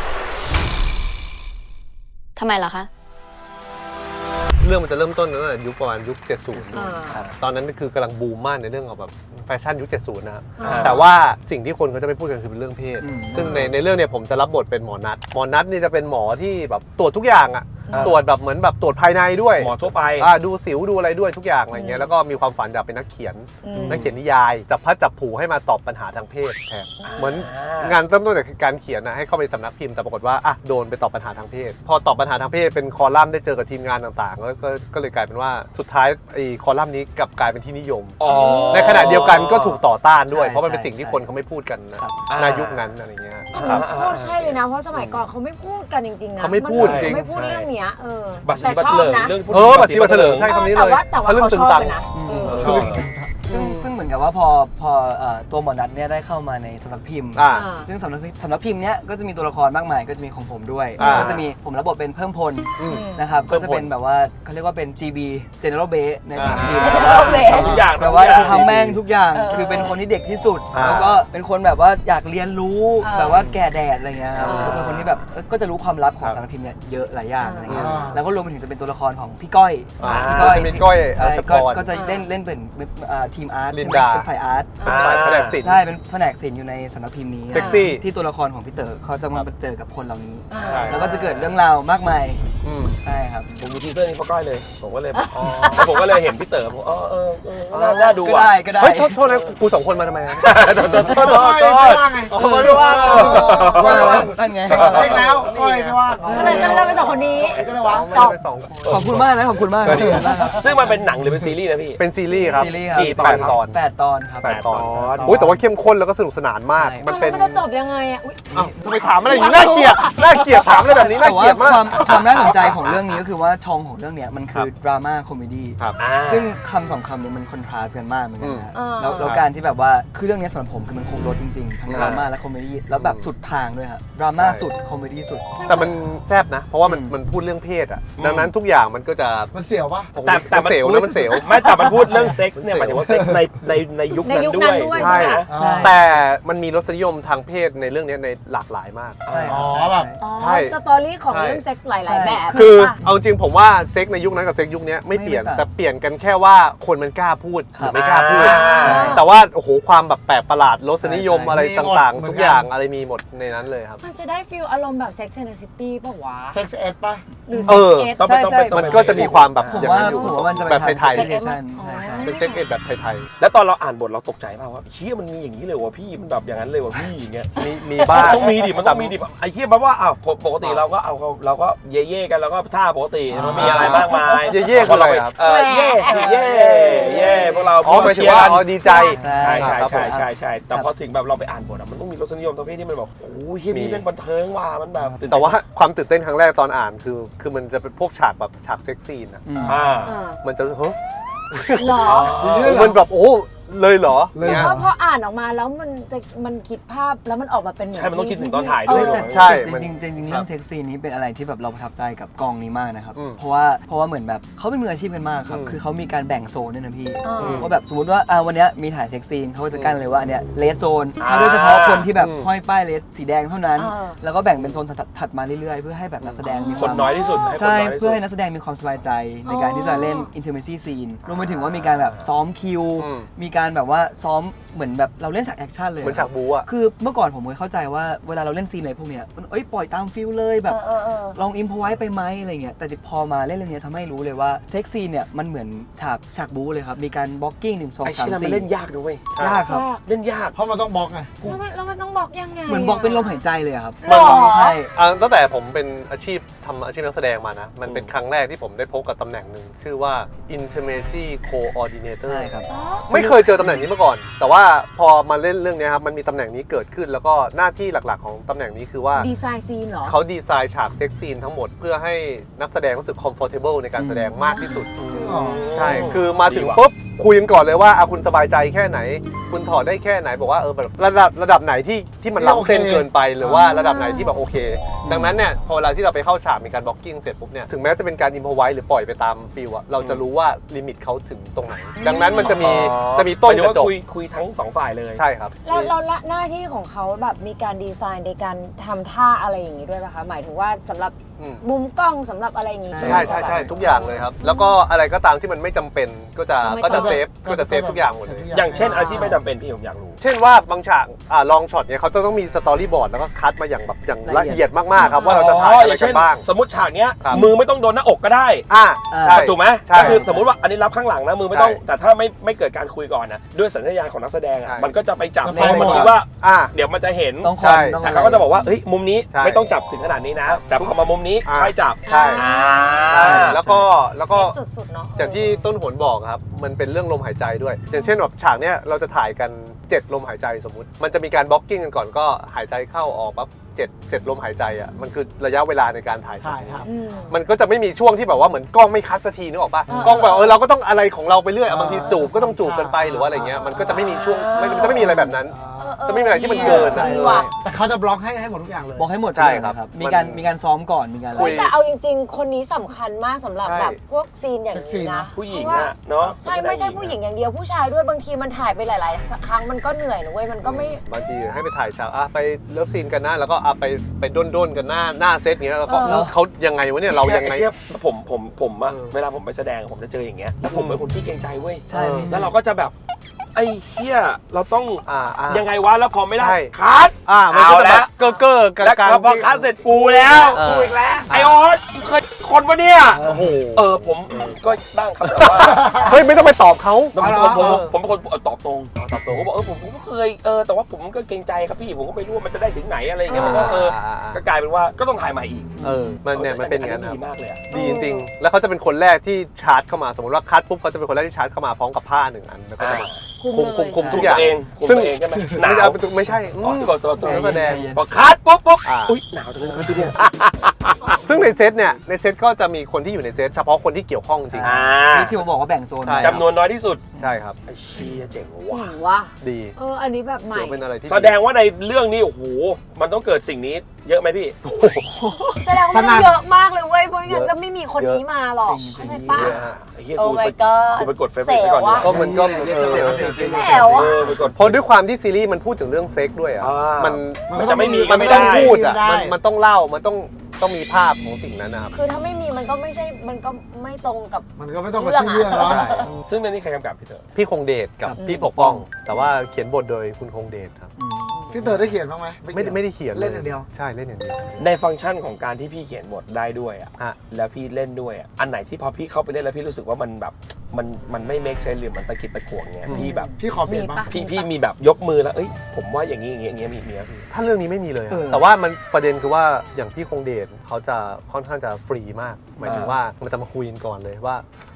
[SPEAKER 6] ทำไมล่ะคะ
[SPEAKER 1] เรื่องมันจะเริ่มต้นตั้งแต่ยุคประมาณยุค
[SPEAKER 4] อ่า
[SPEAKER 1] 70 ตอนนั้นคือกำลังบูมมากในเรื่องของแบบแฟชั่นยุค 70 นะฮะ
[SPEAKER 4] อ่า
[SPEAKER 1] แต่ว่าสิ่งที่คนเขาจะไม่พูดกันคือเป็นเรื่องเพศ
[SPEAKER 5] อืม
[SPEAKER 1] ซึ่งในเรื่องเนี่ยผมจะรับบทเป็นหมอนัทนี่จะเป็นหมอที่แบบตรวจทุกอย่างอะ
[SPEAKER 2] อ่า
[SPEAKER 1] ตรวจแบบเหมือนแบบตรวจภายในด้วย
[SPEAKER 2] หมอทั่วไป
[SPEAKER 1] ดูสิวดูอะไรด้วยทุกอย่างอะไรเงี้ยแล้วก็มีความฝันอยากเป็นนักเขียน นักเขียนนิยายจับพัดจับผูให้มาตอบปัญหาทางเพศแทนเหมือนงานเริ่มต้นจากการเขียนนะให้เข้าไปสำนักพิมพ์แต่ปรากฏว่าโดนไปตอบปัญหาทางเพศ พอตอบปัญหาทางเพศเป็นคอลัมน์ได้เจอกับทีมงานต่างๆแล้วก็เลยกลายเป็นว่าสุดท้ายไอ้คอลัมน์นี้กลับกลายเป็นที่นิยม
[SPEAKER 2] อ๋อ
[SPEAKER 1] ในขณะเดียวกันก็ถูกต่อต้านด้วย
[SPEAKER 5] ใช่
[SPEAKER 1] เพราะมันเป็น
[SPEAKER 5] ใช่
[SPEAKER 1] สิ่งที่คนเขาไม่พูดกันนะครับ
[SPEAKER 2] อ่า
[SPEAKER 1] ในยุคนั้นอะไรเงี้ย
[SPEAKER 4] โคตรใช่เลยนะ เพราะสมัยก่อนเขาไม่พูดกันจริงๆนะ
[SPEAKER 1] เขาไม่พูด
[SPEAKER 4] น
[SPEAKER 1] จริง
[SPEAKER 4] ไม่พูดเรื่องเนี้ย
[SPEAKER 2] บัตรสี
[SPEAKER 4] แต่
[SPEAKER 2] บัตร
[SPEAKER 4] ชอ
[SPEAKER 2] เถ
[SPEAKER 4] บ
[SPEAKER 2] ลิง
[SPEAKER 4] นะ
[SPEAKER 2] เรื่องพูด
[SPEAKER 1] บัตรสีบัตรเถลิงใช่คำนี้เลย
[SPEAKER 4] แต่ว่า
[SPEAKER 1] เรื่อง
[SPEAKER 4] เขา
[SPEAKER 1] ตึ
[SPEAKER 4] ช
[SPEAKER 1] ง
[SPEAKER 4] อบ
[SPEAKER 1] ตัง
[SPEAKER 4] เลยนะ
[SPEAKER 3] ชอบ
[SPEAKER 5] ซึ่งเหมือนกับว่าพอตัวหมอนัทเนี่ยได้เข้ามาในสำนักพิมพ์
[SPEAKER 1] อ่า
[SPEAKER 5] ซึ่งสำนักพิมพ์เนี้ยก็จะมีตัวละครมากมายก็จะมีของผมด้วย
[SPEAKER 1] อ่า
[SPEAKER 5] ก็จะมีผมรับบทเป็นเพิ่มพล
[SPEAKER 1] อืม
[SPEAKER 5] นะครับ
[SPEAKER 1] เพิ่
[SPEAKER 5] ก็
[SPEAKER 1] มพล
[SPEAKER 5] จะเป็นแบบว่าเขาเรียกว่าเป็น GB General Base ในสำนักพิมพ์
[SPEAKER 1] อ่า
[SPEAKER 5] แบบว่า
[SPEAKER 2] ทำทุกอย่าง
[SPEAKER 5] แบบว่าทำแม่งทุกอย่าง
[SPEAKER 4] เออ
[SPEAKER 5] คือเป็นคนที่เด็กที่สุด
[SPEAKER 1] อ่า
[SPEAKER 5] แล้วก็เป็นคนแบบว่าอยากเรียนรู้
[SPEAKER 4] เออ
[SPEAKER 5] แบบว่าแก่แดดอะไรเงี้ยครับ
[SPEAKER 4] อ่า
[SPEAKER 5] แล้วเป็นคนที่แบบก็จะรู้ความลับของ
[SPEAKER 1] ครับ
[SPEAKER 5] สำนักพิมพ์เนี่ยเยอะหลายอย่างอะไรเงี้ย
[SPEAKER 3] อ่า
[SPEAKER 5] แล้วก็รวมไปถึงจะเป็นตัวละครของพี่ก้อย
[SPEAKER 1] จะมีก้อย
[SPEAKER 5] ใช่
[SPEAKER 1] อัศพ
[SPEAKER 5] ก็
[SPEAKER 1] ร
[SPEAKER 5] ก็จะเล่นเป็นทีมอาร์ต
[SPEAKER 1] ลินดา
[SPEAKER 5] เป็นฝ่ายอาร์ต
[SPEAKER 1] เป็นฝ่ายแผนกศิลป์
[SPEAKER 5] ใช่เป็นแผนกศิลป์อยู่ในสำนักพิมพ์นี้
[SPEAKER 1] เซ็กซี่
[SPEAKER 5] ที่ตัวละครของพี่เต๋อเขาจะมาเจอกับคนเหล่านี้
[SPEAKER 4] อ่า
[SPEAKER 1] ใช่
[SPEAKER 5] แล้วก็จะเกิดเรื่องราวมากมาย
[SPEAKER 1] อืม
[SPEAKER 5] ใช่ครับ
[SPEAKER 2] ผมดูทีเซอร์นี้เพราะก้อยเลย ผมก็เลยผมก็เลยเห็นพี่เต๋อผมน่าดู
[SPEAKER 5] ก็
[SPEAKER 2] อ่ะ
[SPEAKER 5] ได้ก็ได้
[SPEAKER 1] เฮ้ยโทษนะกูสองคนมาทำไมอะ
[SPEAKER 3] ก้อยไม่ว่างไง
[SPEAKER 2] ไม่ได้ว่า
[SPEAKER 5] ว่านั่นไง
[SPEAKER 3] เช็คแล้วก้อยไม่ว่าง
[SPEAKER 4] ก็เลยได้เป็นสองคนนี้
[SPEAKER 3] ก็เลยวะ
[SPEAKER 4] จบ
[SPEAKER 1] เป็นสองคน
[SPEAKER 5] ขอบคุณมากนะขอบคุณมากขอบคุณมากครับ
[SPEAKER 2] ซึ่งมันเป็นหนังหรือเป็นซีรีส์นะพี่
[SPEAKER 1] เป็นซีรีส์ครับ
[SPEAKER 5] ซีรีส์ครับ
[SPEAKER 2] กี่ตอนครับ
[SPEAKER 5] 8 ตอนครับ
[SPEAKER 1] แปดตอน
[SPEAKER 2] 8 ตอน
[SPEAKER 1] อุ้ยแต่ว่าเข้มข้นแล้วก็สนุกสนานมาก
[SPEAKER 5] ใช่
[SPEAKER 1] มันเป็น
[SPEAKER 4] มันจะจบยังไงอ่ะอุ๊ย
[SPEAKER 1] อ้าวทำไมถามอะไรอย่างนี้น่าเกลียดถามอะไรแบบนี้น่า
[SPEAKER 5] แต่
[SPEAKER 1] เกลี
[SPEAKER 5] ว่าย
[SPEAKER 1] ดมาก
[SPEAKER 5] ความน่าสนใจของเรื่องนี้ก็คือว่าช่องของเรื่องเนี้ยมันคือดราม่าคอมเมดี้
[SPEAKER 1] ครับ
[SPEAKER 5] ซึ่งคำสองคำเนี้มันคอนทราสต์กันมากเหมือนกันนะ
[SPEAKER 4] อืม
[SPEAKER 5] แล้วการที่แบบว่าคือเรื่องนี้สำหรับผมคือมันครบรสจริงๆทั้งดราม่าและคอมเมดี้แล้วแบบสุดทางด้วยครับดราม่าสุดคอมเมดี้สุด
[SPEAKER 1] แต่มันแซ่บนะ เพราะว่ามันพูดเรื่องเพศอ่ะ ดังนั้นทุกอย่างมันก็จะ
[SPEAKER 3] มันเสียวปะ
[SPEAKER 2] แต่
[SPEAKER 1] มันเสียวนะมันเสียว
[SPEAKER 2] ไม่แต่มันพูดเรื่องเซ็กซ์เนี่ยหมายถึงว่าเซ็กซ์ในยุคนั้น
[SPEAKER 4] ในยุค
[SPEAKER 2] ด้
[SPEAKER 4] นั้
[SPEAKER 2] วน ย
[SPEAKER 4] ด้วย
[SPEAKER 1] ใช่
[SPEAKER 4] ใช่ไหม
[SPEAKER 5] ใช่
[SPEAKER 1] แต่มันมีรสนิยมทางเพศในเรื่องนี้ในหลากหลายมาก
[SPEAKER 5] ใช่ค
[SPEAKER 3] อ๋
[SPEAKER 5] รั
[SPEAKER 3] อบ แบบ
[SPEAKER 4] อ๋อ
[SPEAKER 1] ใช่
[SPEAKER 4] สตอรี่ของเรื่องเซ็กส์หลายๆแบบ
[SPEAKER 1] คือ
[SPEAKER 4] ป่ะ
[SPEAKER 1] เอาจริงผมว่าเซ็กในยุคนั้นกับเซ็กยุคนี้ไม่เปลี่ยน
[SPEAKER 5] ไม่ต่าง
[SPEAKER 1] แต่เปลี่ยนกันแค่ว่าคนมันกล้าพูดห
[SPEAKER 5] ครั
[SPEAKER 1] รือบ ไม่กล้าพูด
[SPEAKER 5] ใช่
[SPEAKER 1] แต่ว่าโอ้โหความแบบแปลกประหลาดรสนิยม
[SPEAKER 5] ใช่
[SPEAKER 1] อะไร
[SPEAKER 3] มีหมด
[SPEAKER 1] ต่าง
[SPEAKER 3] เหมื
[SPEAKER 1] ๆ
[SPEAKER 3] อนกัน
[SPEAKER 1] ทุกอย่างอะไรมีหมดในนั้นเลยครับ
[SPEAKER 4] มันจะได้ฟีลอารมณ์แบบ Sex and the City ป่ะวะ
[SPEAKER 3] เซ็กซ์เอ็ดปะ
[SPEAKER 4] หรือ
[SPEAKER 1] เอ
[SPEAKER 4] Sex
[SPEAKER 1] อ
[SPEAKER 4] Ed
[SPEAKER 2] ต้อง
[SPEAKER 5] ใช่ใช่
[SPEAKER 1] มันก็จะมีความแบบ
[SPEAKER 5] ผม
[SPEAKER 1] อย่าง
[SPEAKER 5] ว่า
[SPEAKER 1] นั้นอยู่
[SPEAKER 5] ผมว่ามันจะไป
[SPEAKER 1] แบบ
[SPEAKER 5] ทาง
[SPEAKER 1] ไทย
[SPEAKER 5] เซ็กเอชั่น
[SPEAKER 4] อ๋อ
[SPEAKER 5] ใช่
[SPEAKER 1] เป็นเซ็กเอ็ดแบบไทย
[SPEAKER 2] แล้วตอนเราอ่านบทเราตกใจป่าวว่าเฮียมันมีอย่างนี้เลยวะพี่มันแบบอย่างนั้นเลยวะพี่อย่างเงี้ย
[SPEAKER 1] ๆมีบ้าง
[SPEAKER 2] ต้องมีดิมันต้องมีดิไอ้เฮียแปลว่าอ้าวปกติเราก็เย่ๆกันแล้วก็ท่าปกติมันมีอะไรมากมาย
[SPEAKER 1] เย่ๆคืออะไรครับ
[SPEAKER 2] เย่พวกเรา
[SPEAKER 1] อ๋อหมายถึงว่าอ๋อดีใจ
[SPEAKER 5] ใช่
[SPEAKER 2] ใช่
[SPEAKER 1] ครับผม
[SPEAKER 2] ใช่แต่พอถึงแบบเราไปอ่านบทอะมันต้องมีรสนิยมทางเพศที่มันแบบโอ้ยเฮียพี่เป็นบันเทิงว่ะมันแบบตื่นเต้น
[SPEAKER 1] แต่ว่าความตื่นเต้นครั้งแรกตอนอ่านคือมันจะเป็นพวกฉากแบบฉากเซ็กซี่นะ
[SPEAKER 5] อืม
[SPEAKER 2] อ่า
[SPEAKER 4] อ่า
[SPEAKER 1] มันจะเฮ้ย
[SPEAKER 4] หรอ
[SPEAKER 1] มันแบบโอ้เลยเหรอ
[SPEAKER 3] เลย
[SPEAKER 1] นี่
[SPEAKER 3] เหร
[SPEAKER 4] พออ่านออกมาแล้วมันคิดภาพแล้วมันออกมาเป็นเหมือน
[SPEAKER 2] ใช่มันต้องคิดถึงตอนถ่ายด้วย
[SPEAKER 4] เออ
[SPEAKER 1] ใช่
[SPEAKER 5] จริงๆเรื่องเซ็กซี่นี้เป็นอะไรที่แบบเราประทับใจกับกองนี้มากนะครับ
[SPEAKER 1] อืม
[SPEAKER 5] เพราะว่าเหมือนแบบเขาเป็นมืออาชีพกันมากครับ
[SPEAKER 1] อืม
[SPEAKER 5] คือเขามีการแบ่งโซนด้วยนะพี่
[SPEAKER 4] อ่า
[SPEAKER 5] ว่าแบบสมมติว่าวันเนี้ยมีถ่ายเซ็กซีนเขาก็จะกั้นเลยว่าอันเนี้ยเลสโซน
[SPEAKER 2] อ่า
[SPEAKER 5] โดยเฉพาะคนที่แบบ
[SPEAKER 1] อืม
[SPEAKER 5] ห้อยป้ายเลสสีแดงเท่านั้น
[SPEAKER 4] อ่า
[SPEAKER 5] แล้วก็แบ่งเป็นโซนถัดมาเรื่อยๆ เพื่อให้แบบนักแสดงมี
[SPEAKER 2] คนน้อยที่สุดให้คน
[SPEAKER 5] ใช่
[SPEAKER 2] น้อยที่สุ
[SPEAKER 5] เพื่
[SPEAKER 2] ด
[SPEAKER 5] อให้นักแสดงมีความสบายใจในการที่จะเล่น intimacy scene รวมไปถึงว่ามีการแบบซ้อมคิว
[SPEAKER 1] อืม
[SPEAKER 5] มีการแบบว่าซ้อมเหมือนแบบเราเล่นฉากแอคชั่นเลย
[SPEAKER 1] เหมือนฉากบู๊อะ
[SPEAKER 5] คือเมื่อก่อนผมเคยเข้าใจว่าเวลาเราเล่นซีนอะไรพวกเนี้ยมันปล่อยตามฟิลเลยแบบ
[SPEAKER 4] เออ
[SPEAKER 5] ลองอิมพอไว้ไปไหมอะไรเงี้ยแต่พอมาเล่นเรื่องเนี้ยทำให้รู้เลยว่าเซ็กซีนเนี่ยมันเหมือนฉากบู๊เลยครับมีการบล็อกกิ้ง1 2
[SPEAKER 2] ไอ้ชิ้น
[SPEAKER 5] 3
[SPEAKER 2] นั้นมัน
[SPEAKER 5] 4
[SPEAKER 2] เล่นยากด้วย
[SPEAKER 5] ยากครับ
[SPEAKER 2] เล่นยาก
[SPEAKER 3] เพราะมันต้องบล็อกไง
[SPEAKER 4] แล้วมันต้องบอกยังไง
[SPEAKER 5] เหมือนบล็อกเป็นลมหายใจเลยอะครับ
[SPEAKER 4] หรอ
[SPEAKER 5] ใช่
[SPEAKER 1] ตั้งแต่ผมเป็นอาชีพทำอาชีพนักแสดงมานะ มันเป็นครั้งแรกที่ผมได้พบกับตำแหน่งหนึ่งชื่อว่า intimacy coordinator
[SPEAKER 5] ใช่ครับ
[SPEAKER 1] ไม่เคยเจอตำแหน่งนี้มาก่อน แต่ว่าพอมาเล่นเรื่องนี้ครับมันมีตำแหน่งนี้เกิดขึ้น แล้วก็หน้าที่หลักๆของตำแหน่งนี้คือว่า
[SPEAKER 4] ดีไซน์ซีนเหรอ
[SPEAKER 1] เขาดีไซน์ฉากเซ็กซีนทั้งหมดเพื่อให้นักแสดงรู้สึก comfortable ในการแสดงมากที่สุด ใช่ คือมาถึงปุ๊บคุยกันก่อนเลยว่าคุณสบายใจแค่ไหน คุณถอดได้แค่ไหนบอกว่าแบบระดับไหนที่มันล้ำเส้นเกินไปหรือว่าระดับไหนที่แบบโอเค ดังนั้นเนี่ยพอเวลาที่เราไปเข้าฉากมีการบล็อกกิ้งเสร็จปุ๊บเนี่ยถึงแม้จะเป็นการอิมพอไว้หรือปล่อยไปตามฟิลอะเราจะรู้ว่าลิมิตเขาถึงตรงไหน ดังนั้นมันจะมีต้น
[SPEAKER 2] หมายถึง
[SPEAKER 1] ก
[SPEAKER 2] ว่า
[SPEAKER 1] ระจก
[SPEAKER 2] คุยทั้งสองฝ่ายเลย
[SPEAKER 1] ใช่ครับ
[SPEAKER 4] แล้วหน้าที่ของเขาแบบมีการดีไซน์ในการทำท่าอะไรอย่างนี้ด้วยป่ะคะ หมายถึงว่าสำหรับ
[SPEAKER 1] อืม
[SPEAKER 4] มุมกล้องสำหรับอะไรอย่างนี้
[SPEAKER 5] ใช่
[SPEAKER 1] ใช่ใช่ใช่ทุกอย่างเลยครับ แล้วก็อะไรก็ตามที่มันไม่จำเป็นก็จะเซฟทุกอย่างหมดเลย
[SPEAKER 2] อย่างเช่นอะไรที่ไม่จำเป็นพี่ผมอยากรู้
[SPEAKER 1] เช่นว่าบางฉากลองช็อตเนี่ยเขาจะต้องมีสตอรี่บอร์ดแล้วก็คัดมาอย่างแบบอย่างละเอียดมากๆครับว่าเราจะถ่ายอะไรกันบ้าง
[SPEAKER 2] สมมติฉากเนี้ย
[SPEAKER 1] ครับ
[SPEAKER 2] มือไม่ต้องโดนหน้าอกก็ได้
[SPEAKER 1] ใช่
[SPEAKER 2] ถูกไหม
[SPEAKER 1] ใช่
[SPEAKER 2] ก็คือสมมติว่าอันนี้รับข้างหลังนะมือไม่ต้อง
[SPEAKER 1] ใช่
[SPEAKER 2] แต่ถ้าไม่เกิดการคุยก่อนนะด้วยสัญชาตญาณของนักแสดง
[SPEAKER 1] ใช่
[SPEAKER 2] อ่ะมันก็จะไปจับ
[SPEAKER 3] จะ
[SPEAKER 2] เพราะมัน
[SPEAKER 3] ไปหมด
[SPEAKER 2] คิดว่า
[SPEAKER 1] อ่า
[SPEAKER 2] เดี๋ยวมันจะเห็น
[SPEAKER 5] ต้องค
[SPEAKER 1] ใช่
[SPEAKER 5] อนต้อง
[SPEAKER 2] แต่เขาก็จะบอกว่าเฮ้ยมุมนี้
[SPEAKER 1] ใช่
[SPEAKER 2] ไม่ต้องจับถึงขนาดนี้นะ แต่พอมามุมนี้
[SPEAKER 1] อ่า
[SPEAKER 2] ค่อยจับ
[SPEAKER 1] ใช่
[SPEAKER 2] อ่า
[SPEAKER 1] ใช่แล้วก็
[SPEAKER 4] สุดๆเนาะ
[SPEAKER 1] อย่างที่ต้นหนบอกครับมันเป็นเรื่องลมหายใจด้วย อย่างเช่นแบบฉากเนี้ยเราจะถ่ายกัน 7 ลมหายใจสมมุติ มันจะมีการบล็อกกิ้งกันก่อนก็หายใจเข้าออกปั๊บ7 ลมหายใจอ่ะมันคือระยะเวลาในการถ่าย
[SPEAKER 3] ถ่ายครับ
[SPEAKER 1] มันก็จะไม่มีช่วงที่แบบว่าเหมือนกล้องไม่คัดสักทีนึกออกปะ
[SPEAKER 4] อ่า
[SPEAKER 1] กล้องแบบเราก็ต้องอะไรของเราไปเรื่อยบางทีจูบก็ต้องจูบกันไป
[SPEAKER 3] อ่า
[SPEAKER 1] หรือว่าอะไรเงี้ยมันก็จะไม่มีช่วงมันจะไม่มีอะไรแบบนั้น จะไม่มีอะไรที่มันเกิน
[SPEAKER 5] ใช่
[SPEAKER 1] อะ
[SPEAKER 5] ใช่
[SPEAKER 3] แต่เขาจะบล็อกให้หมดทุกอย่างเลย
[SPEAKER 5] บอกให้หมด
[SPEAKER 1] ใช่ครับ
[SPEAKER 5] มีการซ้อมก่อนมีการอะไร
[SPEAKER 1] คุย
[SPEAKER 4] แต่เอาจริงๆ คนนี้สำคัญมากสำหรับ
[SPEAKER 1] ใช่
[SPEAKER 4] แบบพวกซีนอย่างนี้นะ
[SPEAKER 2] ผู้หญิง
[SPEAKER 4] เพราะว่า
[SPEAKER 2] อ่ะเนาะ
[SPEAKER 4] ใช่ไม่ใช่ผู้หญิงอย่างเดียวผู้ชายด้วยบางทีมันถ่ายไปหลาย ๆ ครั้งมันก็เหนื่อยนะเว้ยมันก็ไม่
[SPEAKER 1] บางทีให้ไปถ่ายฉากไปเลิฟซีนกันนะแล้วก็ไปด้นกันหน้าเซตเงี้ยแล้วก็
[SPEAKER 4] เออ
[SPEAKER 1] เขายังไงวะเนี่ยเรายังไง
[SPEAKER 2] เชื่อผมอะเวลาผมไปแสดงผมจะเจออย่างเงี้ยแล้วผมเป็นคนที่เกรงใจเว้ย
[SPEAKER 5] ใช่
[SPEAKER 2] แล้วเราก็จะแบบไอ้เหี้ยเราต้อง
[SPEAKER 1] ยั
[SPEAKER 2] ยังไงวะแล้วพอไม่ได้
[SPEAKER 1] ใช่
[SPEAKER 2] คัด
[SPEAKER 1] มันก็จะ
[SPEAKER 2] เอาแล้
[SPEAKER 1] แบ
[SPEAKER 2] ว
[SPEAKER 1] บเก้อๆกัน
[SPEAKER 2] แล้ว
[SPEAKER 1] การ
[SPEAKER 2] พอคัดเสร็จกูแล้ว
[SPEAKER 1] เออ
[SPEAKER 2] กูอีกแล้วไอออสเคยคนวะเนี่ย
[SPEAKER 1] โอ้โห
[SPEAKER 2] ผมก็ตั้งคำถามว่า
[SPEAKER 1] เฮ้ยไม่ต้องไปตอบเขา
[SPEAKER 2] ผมเป็นคนตอบตรง
[SPEAKER 1] ตอบตรง
[SPEAKER 2] ผมบอกผมก็เคยแต่ว่าผมก็เกรงใจครับพี่ผมก็ไม่รู้ว่ามันจะได้ถึงไหนอะไรอย่างเงี้ยมันก็ก็กลายเป็นว่าก็ต้องถ่ายใหม่อีก
[SPEAKER 1] มันเป็นอย่างนั้น
[SPEAKER 2] ดี
[SPEAKER 1] ครับ
[SPEAKER 2] มากเลยอะ
[SPEAKER 1] ดีจริงๆ แล้วเขาจะเป็นคนแรกที่ชาร์จเข้ามาสมมติว่าคัดปุ๊บเขาจะเป็นคนแรกที่ชาร์จเข้ามาพร้อมกับผ้า1 อันแล้วก็จะมา
[SPEAKER 4] คุมเลย
[SPEAKER 1] คุม
[SPEAKER 2] คุ
[SPEAKER 1] ทุ
[SPEAKER 2] ม
[SPEAKER 1] กอย่าง
[SPEAKER 2] ตัวเองคุม
[SPEAKER 1] ซึ่ง
[SPEAKER 2] ตัวเองใช่ไหมห
[SPEAKER 1] ไม่
[SPEAKER 2] นาว
[SPEAKER 1] ไม่ใช่
[SPEAKER 2] ตัว
[SPEAKER 1] นักแสดง
[SPEAKER 2] พอคัดปุ๊บ
[SPEAKER 1] อ่า
[SPEAKER 2] อุ้ยหนาวจังเลยนะครับพี่เนี่ย
[SPEAKER 1] ซึ่งในเซตเนี่ยในเซตก็จะมีคนที่อยู่ในเซตเฉพาะคนที่เกี่ยวข้องจริง
[SPEAKER 5] นี่ที่ผมบอกว่าแบ่งโซน
[SPEAKER 1] ใช่
[SPEAKER 2] จำนวนน้อยที่สุด
[SPEAKER 1] ใช่ครับ
[SPEAKER 2] ไอ้เชี่ยเจ๋ง
[SPEAKER 4] เจ๋
[SPEAKER 2] ว่ะ
[SPEAKER 4] งว่ะ
[SPEAKER 1] ดี
[SPEAKER 4] อันนี้แบบใหม่
[SPEAKER 1] เดี๋ยวเป็นอะไรที่
[SPEAKER 2] แสดงว่าในเรื่องนี้โอ้โหมันต้องเกิดสิ่งนี้เยอะไหมพี่
[SPEAKER 4] แสดงว่ามันเยอะมากเลยเว้ยเพราะงั้นจะไม่มีคนนี้มาหรอกเข้าใจปะ
[SPEAKER 1] เยอะฮะ
[SPEAKER 2] ไอ้เหี้ย
[SPEAKER 4] โอ้
[SPEAKER 2] กูไป
[SPEAKER 4] my god
[SPEAKER 2] กูไปกดเฟซบุ๊กไปก่อน
[SPEAKER 4] เสียวอะ
[SPEAKER 1] ก็มันก็
[SPEAKER 4] แถวอะ
[SPEAKER 2] ไปกด
[SPEAKER 1] เพราะด้วยความที่ซีรีส์มันพูดถึงเรื่องเซ็กด้วยอ่ะ มัน
[SPEAKER 2] มันจะไม่มี
[SPEAKER 1] มัน
[SPEAKER 2] ไม่
[SPEAKER 1] ต้
[SPEAKER 2] ได้
[SPEAKER 1] องพูดอ่ะ
[SPEAKER 3] ไม่ได้
[SPEAKER 1] มันต้องเล่ามันต้องมีภาพของสิ่งนั้นนะครับ
[SPEAKER 4] คือถ้าไม่มีมันก็ไม่ใช่มันก็ไม่ตรงกับ
[SPEAKER 3] มันก็ไม่ต้องมาชื่อเรื่องแล้ว
[SPEAKER 1] ใช่
[SPEAKER 2] ซึ่งในนี้ใครกำกับพี่เต๋อ
[SPEAKER 1] พี่คงเดชกับพี่ปกป้อง แต่ว่าเขียนบทโดยคุณคงเดชครับ
[SPEAKER 3] พี่เต๋อได้เขียนบ้างไหม
[SPEAKER 1] ไม่ได้เขียน
[SPEAKER 3] เล่นอย่างเดียว
[SPEAKER 1] ใช่เล่นอย่างเดียว
[SPEAKER 2] ในฟังก์ชันของการที่พี่เขียนบทได้ด้วยอ่ะ
[SPEAKER 1] ฮะ
[SPEAKER 2] แล้วพี่เล่นด้วยอ่ะอันไหนที่พอพี่เข้าไปเล่นแล้วพี่รู้สึกว่ามันแบบมันไม่เมคเซนส์หรือมันตะกิดตะขวงเนี่ยพี่แบบ
[SPEAKER 3] พี่ขอเปลี่ยนบ้าง
[SPEAKER 4] มีปะ
[SPEAKER 2] พี่มีแบบยกมือแล้วเอ้ยผมว่าอย่างนี้มีไหมพี่
[SPEAKER 1] ถ้าเรื่องนี้ไม่มีเลยอะ
[SPEAKER 5] เออ
[SPEAKER 1] แต่ว่ามันประเด็นคือว่าอย่างพี่คงเดชเขาจะค่อนข้างจะฟรีมาก หมายถึงว่ามันจะมาคุยกันก่อนเลยว่าเฮ้ย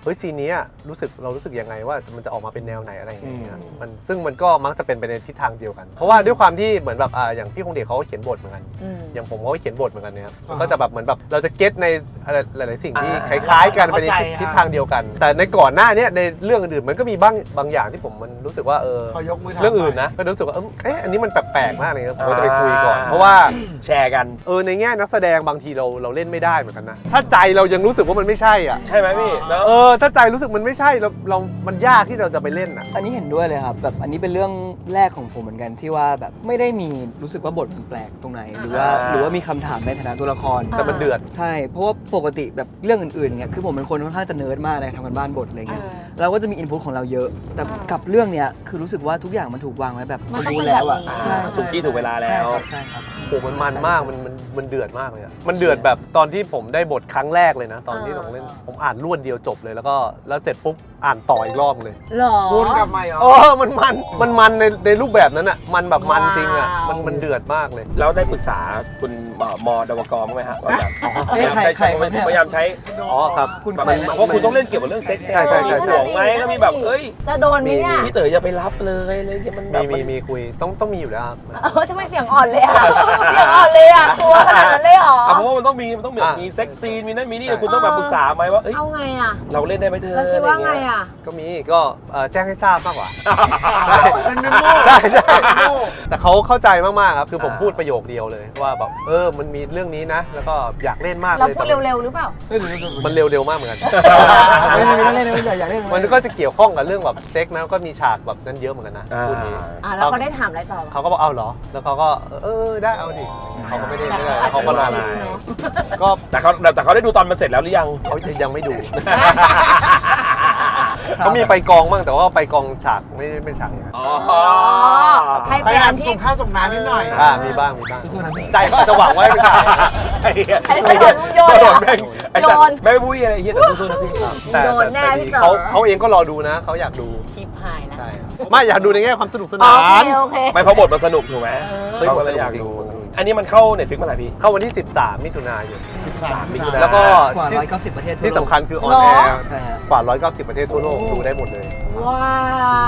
[SPEAKER 1] ฮ้ยซีนนี้เรารู้สึกยังไงว่ามันจะออกมาเป็นแนวไหนอะไรอย่างเงี้ยซึ่งมันก็มักจะเป็นไปในทิศทางเดียวกันเพราะว่าด้วยความที่เหมือนแบบอย่างพี่คงเดชเขาก็เขียนบทเหมือนกันอย่างผมเขาก็เขียนบทเหมือนกันเนี่ยมันก็จะแบบเหมือนแบบเราจะเก็ตในหลายๆสิ่งที่คล้ายๆกันไปในทิศทางเดียวกันแต่ในก่อนหน้านี้ในเรื่องอื่นๆมันก็มีบางอย่างที่ผมมันรู้สึกว่า
[SPEAKER 3] เขายกมือทำ
[SPEAKER 1] เรื่องอื่นนะก็รู้สึกว่าอันนี้มันแปลกๆมากเลยครับผมจะไปคุยก่อนเพราะว่า
[SPEAKER 2] แชร์กัน
[SPEAKER 1] ในแง่นักแสดงบางทีเราเล่นไม่ได้เหมือนกันนะถ้าใจเรายังรู้สึกว่ามันไม่ใช่อ่ะ
[SPEAKER 2] ใช่ไหมพี่เนอะ
[SPEAKER 1] ถ้าใจรู้สึกมันไม่ใช่เรามันยากที่เราจะไปเล่นอ่ะ
[SPEAKER 5] อันนี้เห็นด้วยเลยครับแบบอันนี้เป็นเรื่องแรกของผมเหมือนกันที่ว่าแบบไม่ได้มีรู้สึกว่าบทมันแปลกตรงไหนหรือว่ามีคำถามในฐานะตัวละคร
[SPEAKER 1] แต่มันเดือด
[SPEAKER 5] ใช่เพราะว่าปกติแบบเรื่องอื่นๆอย่างเงี้ยคือผมเป็นคนค่อนข้างจะเนิร์ดมากในทำกันบ้านบทอะไรเงี้ยเราก็จะมีอินพุตของเราเยอะแต่กับเรื่องเนี้ยคือรู้สึกว่าทุกอย่างมันถูกวางไว้แบบสมบูรณ์แล้วอ่ะใช่
[SPEAKER 2] ถูกที่ถูกเวลาแล้ว
[SPEAKER 5] ใช่ครับ
[SPEAKER 1] โอ้มันมากมันเดือดมากเลยอะมันเดือดแบบตอนที่ผมได้บทครั้งแรกเลยนะตอนที่ผมเล่นผมอ่านรวดเดียวจบเลยแล้วเสร็จปุ๊บอ่านต่ออีกรอบเลย
[SPEAKER 4] หรอ
[SPEAKER 3] วนกลับมาเหรอ
[SPEAKER 1] มันในรูปแบบนั้นอ่ะมันแบบมันจริงอ่ะมันเดือดมากเลย
[SPEAKER 2] แล้วได้ปรึกษาคุณมดวกบ้างไหมฮะว่าแบบ
[SPEAKER 5] ใคร
[SPEAKER 2] พยายามใช้
[SPEAKER 1] ครับ
[SPEAKER 5] คุณ
[SPEAKER 2] แบบ
[SPEAKER 5] ใคร
[SPEAKER 2] เพราะคุณต้องเล่นเกี่ยวกับเรื่องเซ็กซ์
[SPEAKER 1] ใช่
[SPEAKER 2] มีห่วงไหมแล้วมีแบบ
[SPEAKER 4] จะโดนไหมเนี่ย
[SPEAKER 2] พี่เต๋ออย่าไปรับเลยอะไรเงี้ยมันแบบ
[SPEAKER 1] มีคุยต้องมีอยู่แล้วครับ
[SPEAKER 4] ทำไมเสียงอ่อนเลยอ่ะเสียงอ่อนเลยอ่ะกลัวขนาดนั้นเลยเหรอ
[SPEAKER 2] เพราะว่ามันต้องมีเซ็กซ์ซีนมีนั่นมีนี่คุณต้องแบบปรึกษาไหมว่า
[SPEAKER 4] เอาไงอ่ะ
[SPEAKER 2] เราเล่นได้ไหมเธอ
[SPEAKER 4] แล้วชื่อว่าไงอ่ะ
[SPEAKER 1] ก็แจ้งให้ทราบมากกว่า
[SPEAKER 3] เป็นเมมโม่
[SPEAKER 1] ใช่แต่เขาเข้าใจมากๆครับคือผมพูดประโยคเดียวเลยว่าแบบมันมีเรื่องนี้นะ แล้วก็อยากเล่นมากเลย
[SPEAKER 4] เราพูดเร็วๆหรือเปล่า
[SPEAKER 1] มันเร็วๆมากเหมือนกัน
[SPEAKER 5] ไม่เล่นไม่อยากเล่น
[SPEAKER 1] มันก็จะเกี่ยวข้องกับเรื่องแบบเซ็กนะก็มีฉากแบบนั้นเยอะเหมือนกันนะพูดนี้
[SPEAKER 4] แล้วเขาได้ถามอะไรต่อ
[SPEAKER 1] เขาก็บอกเอาเหรอแล้วเขาก็ได้เอาดิเขาก็ไม่ได้เขาก็รอไลน์ก็
[SPEAKER 2] แต่เขาได้ดูตอนมันเสร็จแล้วหรือยัง
[SPEAKER 1] เขายังไม่ดู เขามีไปกองบ้างแต่ว่าไปกองฉากไม่ได้เป็นฉากอย่างนั้น
[SPEAKER 4] ให้
[SPEAKER 3] พ
[SPEAKER 4] ไป
[SPEAKER 3] ยายา
[SPEAKER 4] อั
[SPEAKER 3] ม
[SPEAKER 4] นที่
[SPEAKER 3] ส่งข้าวส่งน้ำนิดหน่อย
[SPEAKER 1] มีบ้างใจก็อาจจะหวังไว้เป็นฉาก
[SPEAKER 4] ให้โดนโยน
[SPEAKER 2] แม่งไม่พูดอะไรเฮียแต่สู้ๆนะพี่
[SPEAKER 1] แต่
[SPEAKER 4] โดนแน่พี่เต๋อ
[SPEAKER 1] เขาเองก็รอดูนะเขาอยากดู
[SPEAKER 4] ชิปหายแล้ว
[SPEAKER 1] ใช่ไม่อยากดูในแง่ความสนุกสนา
[SPEAKER 4] โอเค
[SPEAKER 2] ไม่เพราะบทมันสนุกถูกไหม
[SPEAKER 1] เฮ้ย
[SPEAKER 2] เขาก็เลยอยากดูอันนี้มันเข้า Netflix เมื่อไหร่พี่
[SPEAKER 1] เข้าวันที่ 13 มิถุนายน
[SPEAKER 3] 13 มิถุนายน
[SPEAKER 1] แล้วก็
[SPEAKER 5] กว่า190ประเทศทั่วโลก
[SPEAKER 1] ที่สำคัญคือออนแอร์
[SPEAKER 5] ใช่ฮะ
[SPEAKER 1] กว่า190 ประเทศทั่วโลกดูได้หมดเลย
[SPEAKER 4] ว้าว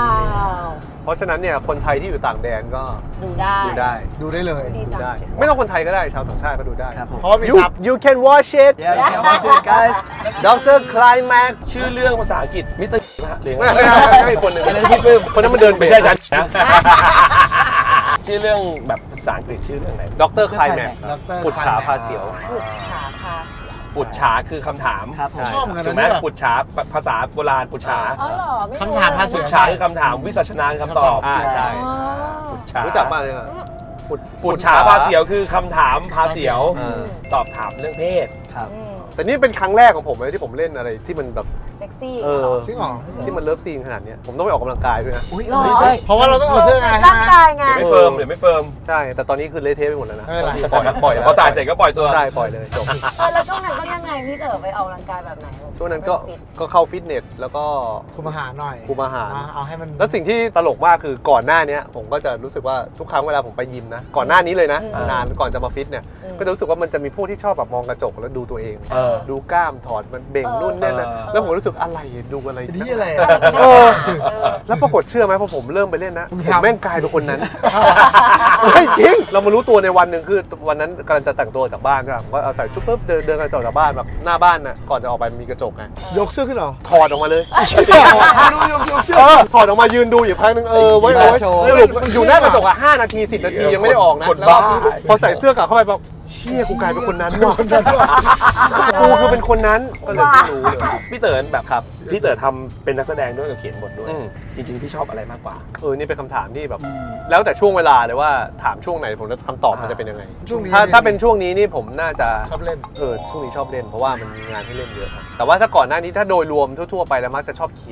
[SPEAKER 1] เพราะฉะนั้นเนี่ยคนไทยที่อยู่ต่างแดนก็
[SPEAKER 4] ดูได้
[SPEAKER 1] ดูได้
[SPEAKER 3] ดูได้เลย
[SPEAKER 4] ดี
[SPEAKER 1] ดู
[SPEAKER 4] จัง
[SPEAKER 1] ได้ ไม่ต้องคนไทยก็ได้ชาวต่างชาติก็ดูได้
[SPEAKER 5] ครับผม
[SPEAKER 3] เพราะว่ามีซับ
[SPEAKER 1] You can watch it
[SPEAKER 5] Yeah, watch it, guys.
[SPEAKER 1] Dr. Climax
[SPEAKER 2] ชื่อเรื่องภาษาอังกฤษมิสเตอร์นะฮะหรือ
[SPEAKER 1] ไม่ใช่คนหนึ่งคนนั้นมันเดิน
[SPEAKER 2] ไม่ใช่ฉันนะ ชื่อเรื่องแบบภาษาอังกฤษชื่อเรื่องไหน
[SPEAKER 1] Dr. Climax
[SPEAKER 3] Dr.
[SPEAKER 1] ปุจฉาพาเสียว
[SPEAKER 4] บุกฉาพาเสีย
[SPEAKER 2] ปุจฉาคือคำถาม
[SPEAKER 5] ครับผม
[SPEAKER 3] ชอบเหมือนกัน
[SPEAKER 2] ถูก
[SPEAKER 3] นะ
[SPEAKER 2] ไหม
[SPEAKER 3] ที่แบบ
[SPEAKER 2] ปุจฉาภาษาโบราณปุจฉา
[SPEAKER 4] อ๋อเหรอไม่รู้
[SPEAKER 3] คำถามภาษี
[SPEAKER 2] ปุจฉาคือคำถามวิสัชนาคือคำตอบ
[SPEAKER 1] ใช่
[SPEAKER 4] อ๋อ
[SPEAKER 2] ปุจฉา
[SPEAKER 1] รู้จักมากเลยอะ
[SPEAKER 2] ปุจฉาพาเสียวคือคำถามพาเสียว ตอบถามเรื่องเพศ
[SPEAKER 5] ครับ
[SPEAKER 1] แต่นี่เป็นครั้งแรกของผมเลยที่ผมเล่นอะไรที่มันแบบ
[SPEAKER 4] เซ็กซี่
[SPEAKER 3] จริงเหรอ
[SPEAKER 1] ที่มันเลิฟซีนขนาดเนี้ยผมต้องไปออกกำลังกายด้วยนะ
[SPEAKER 5] อุ้ย
[SPEAKER 4] หรอ
[SPEAKER 5] ใช่
[SPEAKER 3] เพราะว่าเราต้องเอาเสื้อไง
[SPEAKER 4] ร่างกายไง
[SPEAKER 2] เดี๋ยวไม่เฟิร์มเดี๋ยวไม่เฟิร์ม
[SPEAKER 1] ใช่ แต่ตอนนี้คือเละเทะไปหมดแล้วนะ
[SPEAKER 3] ไม่เป็นไร
[SPEAKER 1] ปล่อยแล้ว
[SPEAKER 2] พอจ่ายเสร็จก็ปล่อยตัว
[SPEAKER 1] ได้ปล่อยเลยจบ
[SPEAKER 4] แล้วช่วงนั้นก็ยังไงพี่เต๋อไปออกกำลังกายแบบไหน
[SPEAKER 1] ช่วงนั้นก็เข้าฟิตเนสแล้วก็
[SPEAKER 3] คุมอาหารหน่อย
[SPEAKER 1] คุมอาหาร
[SPEAKER 3] เอาให้มัน
[SPEAKER 1] แล้วสิ่งที่ตลกมากคือก่อนหน้านี้ผมก็จะรู้สึกว่าทุกครั้งเวลาผมไปยิมนะก่อนหน้านี้เลยนะนานก่อนจะมาฟิตเนี่ยก็จะรู้สึกว่ามันจะมีพวกที่ชอบแบบมองกระจกแล้วดูตัวเอง ดูกล้ามถอดมันเบ่งนู่นนี่นั่นแล้วผมรู้สึกอะไรดูอะไร
[SPEAKER 3] นี่อะไร
[SPEAKER 1] แล้วปรากฏเชื่อไหมพอผมเริ่มไปเล่นนะ
[SPEAKER 3] มึง
[SPEAKER 1] ผม
[SPEAKER 3] ทำ
[SPEAKER 1] แม่งกลายเป็นคนนั้นเฮ้ยจริงเรามารู้ตัวในวันหนึ่งคือวันนั้นกำลังจะแต่งตัวจากบ้านใช่ไหมผมก็เอาใส่ชุดปุ๊บเดินกันจากบ้านแบบหน้าบ้านน่ะก่อนจะออกไปมีกระจกไง
[SPEAKER 3] ยกเสื้อขึ้นเหรอ
[SPEAKER 1] ถอดออกมาเลย
[SPEAKER 3] ดูยกเสื้อ
[SPEAKER 1] ถอดออกมายืนดูอยู่พักนึงไว้สรุปอยู่หน้ากระจกอ่ะ5 นาที 10 นาทียังไม่ได้ออกนะแล้วพอใส่เสื้อกลับเข้าไปแบบเชี่ยกูกลายเป็นคนนั้นว่ะกูคือเป็นคนนั้นก็เลยไม่รู้เลย
[SPEAKER 2] พี่เต๋อแบบครับพี่เต๋อทำเป็นนักแสดงด้วยกับเขียนบทด้วยจริงๆพี่ชอบอะไรมากกว่า
[SPEAKER 1] นี่เป็นคำถามที่แบบแล้วแต่ช่วงเวลาเลยว่าถามช่วงไหนผมจะคำตอบมันจะเป็นยังไง
[SPEAKER 3] ช่วงนี้
[SPEAKER 1] ถ้าเป็นช่วงนี้นี่ผมน่าจะ
[SPEAKER 3] ชอบเล่น
[SPEAKER 1] ช่วงนี้ชอบเล่นเพราะว่ามันมีงานให้เล่นเยอะครับแต่ว่าถ้าก่อนหน้านี้ถ้าโดยรวมทั่วๆไปแล้วมักจะชอบเขียน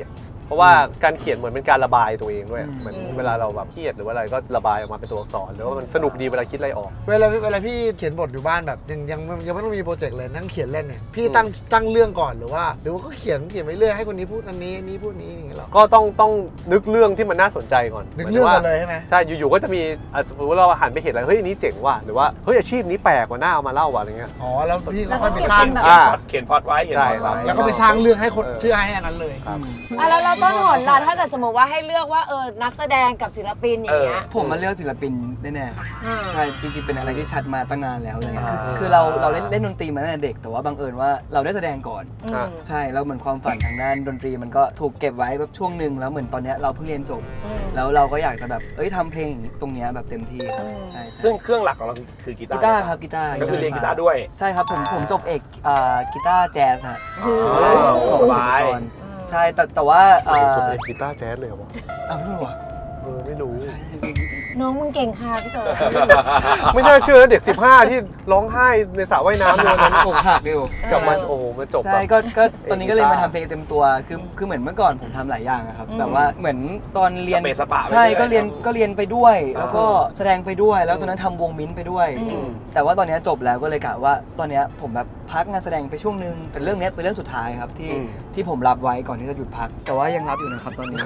[SPEAKER 1] เพราะว่าการเขียนเหมือนเป็นการระบายตัวเองด้วยเหมือนเวลาเราแบบเครียดหรือว่าอะไรก็ระบายออกมาเป็นตัวอักษรหรือว่ามันสนุกดีเวลาคิดอะไรออก
[SPEAKER 3] เวลาพี่เขียนบทอยู่บ้านแบบยังไม่ต้องมีโปรเจกต์เลยนั่งเขียนเล่นเนี่ยพี่ตั้งเรื่องก่อนหรือว่าก็เขียนไปเรื่อยให้คนนี้พูดอันนี้พูดนี้อย่างเงี้ยหรอ
[SPEAKER 1] ก็ต้องนึกเรื่องที่มันน่าสนใจก่อน
[SPEAKER 3] นึกเรื่องก่อนเลยใช่ไหม
[SPEAKER 1] ใช่อยู่ๆก็จะมีสมมติว่าเราหันไปเห็นอะไรเฮ้ยอันนี้เจ๋งว่ะหรือว่าเฮ้ยอาชีพนี้แปลกกว่าน่าเอามาเล่าว่ะอะไรเงี้ย
[SPEAKER 3] อ๋อแล้วพี่
[SPEAKER 4] แล้วก็
[SPEAKER 3] ก็ไปสร้าง
[SPEAKER 4] เก็บเป็นแบบ
[SPEAKER 2] เขียนพล็อตไว้เขียนพล็อตไว้
[SPEAKER 3] แล้วก็ไปสร้างเรื่องให้คนเชื่อให้อันนั้นเลย
[SPEAKER 4] แล้วเราต้นหนล่ะถ้าเกิดสมมติว่าให้เลือกว่านักแสดงกับศิลปินอย่างเงี้ย
[SPEAKER 5] ผมมาเลือกศิลปินแน่ๆครับ
[SPEAKER 4] อ่า
[SPEAKER 5] ใช่จริงๆเป็นอะไรที่ชัดมาตั้งนานแล้วเลยคือเราเล่นดนตรีมาตั้งแต่เด็กแต่ว่าบังเอิญว่าเราได้แสดงก่อน
[SPEAKER 4] อืม
[SPEAKER 5] ใช่แล้วเหมือนความฝันทางด้านดนตรีมันก็ถูกเก็บไว้แบบช่วงหนึ่งแล้วเหมือนตอนเนี้ยเราเพิ่งเรียนจบ
[SPEAKER 4] อืม
[SPEAKER 5] แล้วเราก็อยากจะแบบทำเพลงตรงเนี้ยแบบเต็มที่ครับ
[SPEAKER 4] อืม
[SPEAKER 5] ใช่
[SPEAKER 2] ซึ่งเครื่องหลักของเราคือกีตา
[SPEAKER 5] กี
[SPEAKER 2] ร์
[SPEAKER 5] ตาร์ครับกีตาร์
[SPEAKER 2] ก็คือเรียนกีตาร์ด้วย
[SPEAKER 5] ใช่ครับผมจบเอกกีตาร์แจ๊สฮะ
[SPEAKER 2] สบาย
[SPEAKER 5] ใช่แต่ว่า
[SPEAKER 1] จบเป็นกีตาร์แจ๊สเลยเหรอวะ
[SPEAKER 5] อ้าวไม่รู้เหรอ
[SPEAKER 1] ไม่รู้
[SPEAKER 4] น้องมึงเก่งค่ะพี่เต๋อ
[SPEAKER 1] ไม่น่าเชื่อนะเด็ก 15 ที่ร้องไห้ในสระว่ายน้ำเลยวันนั้น
[SPEAKER 5] อกหักอยู่
[SPEAKER 1] กลับมาโอ้โหมาจบ
[SPEAKER 5] ใช่
[SPEAKER 1] แบบ
[SPEAKER 5] ก็ตอนนี้ก็เลยมาทำเพลงเต็มตัวคือเหมือนเมื่อก่อนผมทำหลายอย่างอะครับแบบว่าเหมือนตอนเรียน
[SPEAKER 2] สเปซสปะไป
[SPEAKER 5] ใช่
[SPEAKER 2] เรื่อย
[SPEAKER 5] ก็เรียนไปด้วย แล้วก็แสดงไปด้วยแล้วตอนนั้นทำวงมิ้นท์ไปด้วย แต่ว่าตอนนี้จบแล้วก็เลยกะว่าตอนนี้ผมแบบพักงานแสดงไปช่วงนึงแต่เรื่องนี้เป็นเรื่องสุดท้ายครับที่ผมรับไว้ก่อนที่จะหยุดพัก แต่ว่ายังรับอยู่นะครับตอนนี้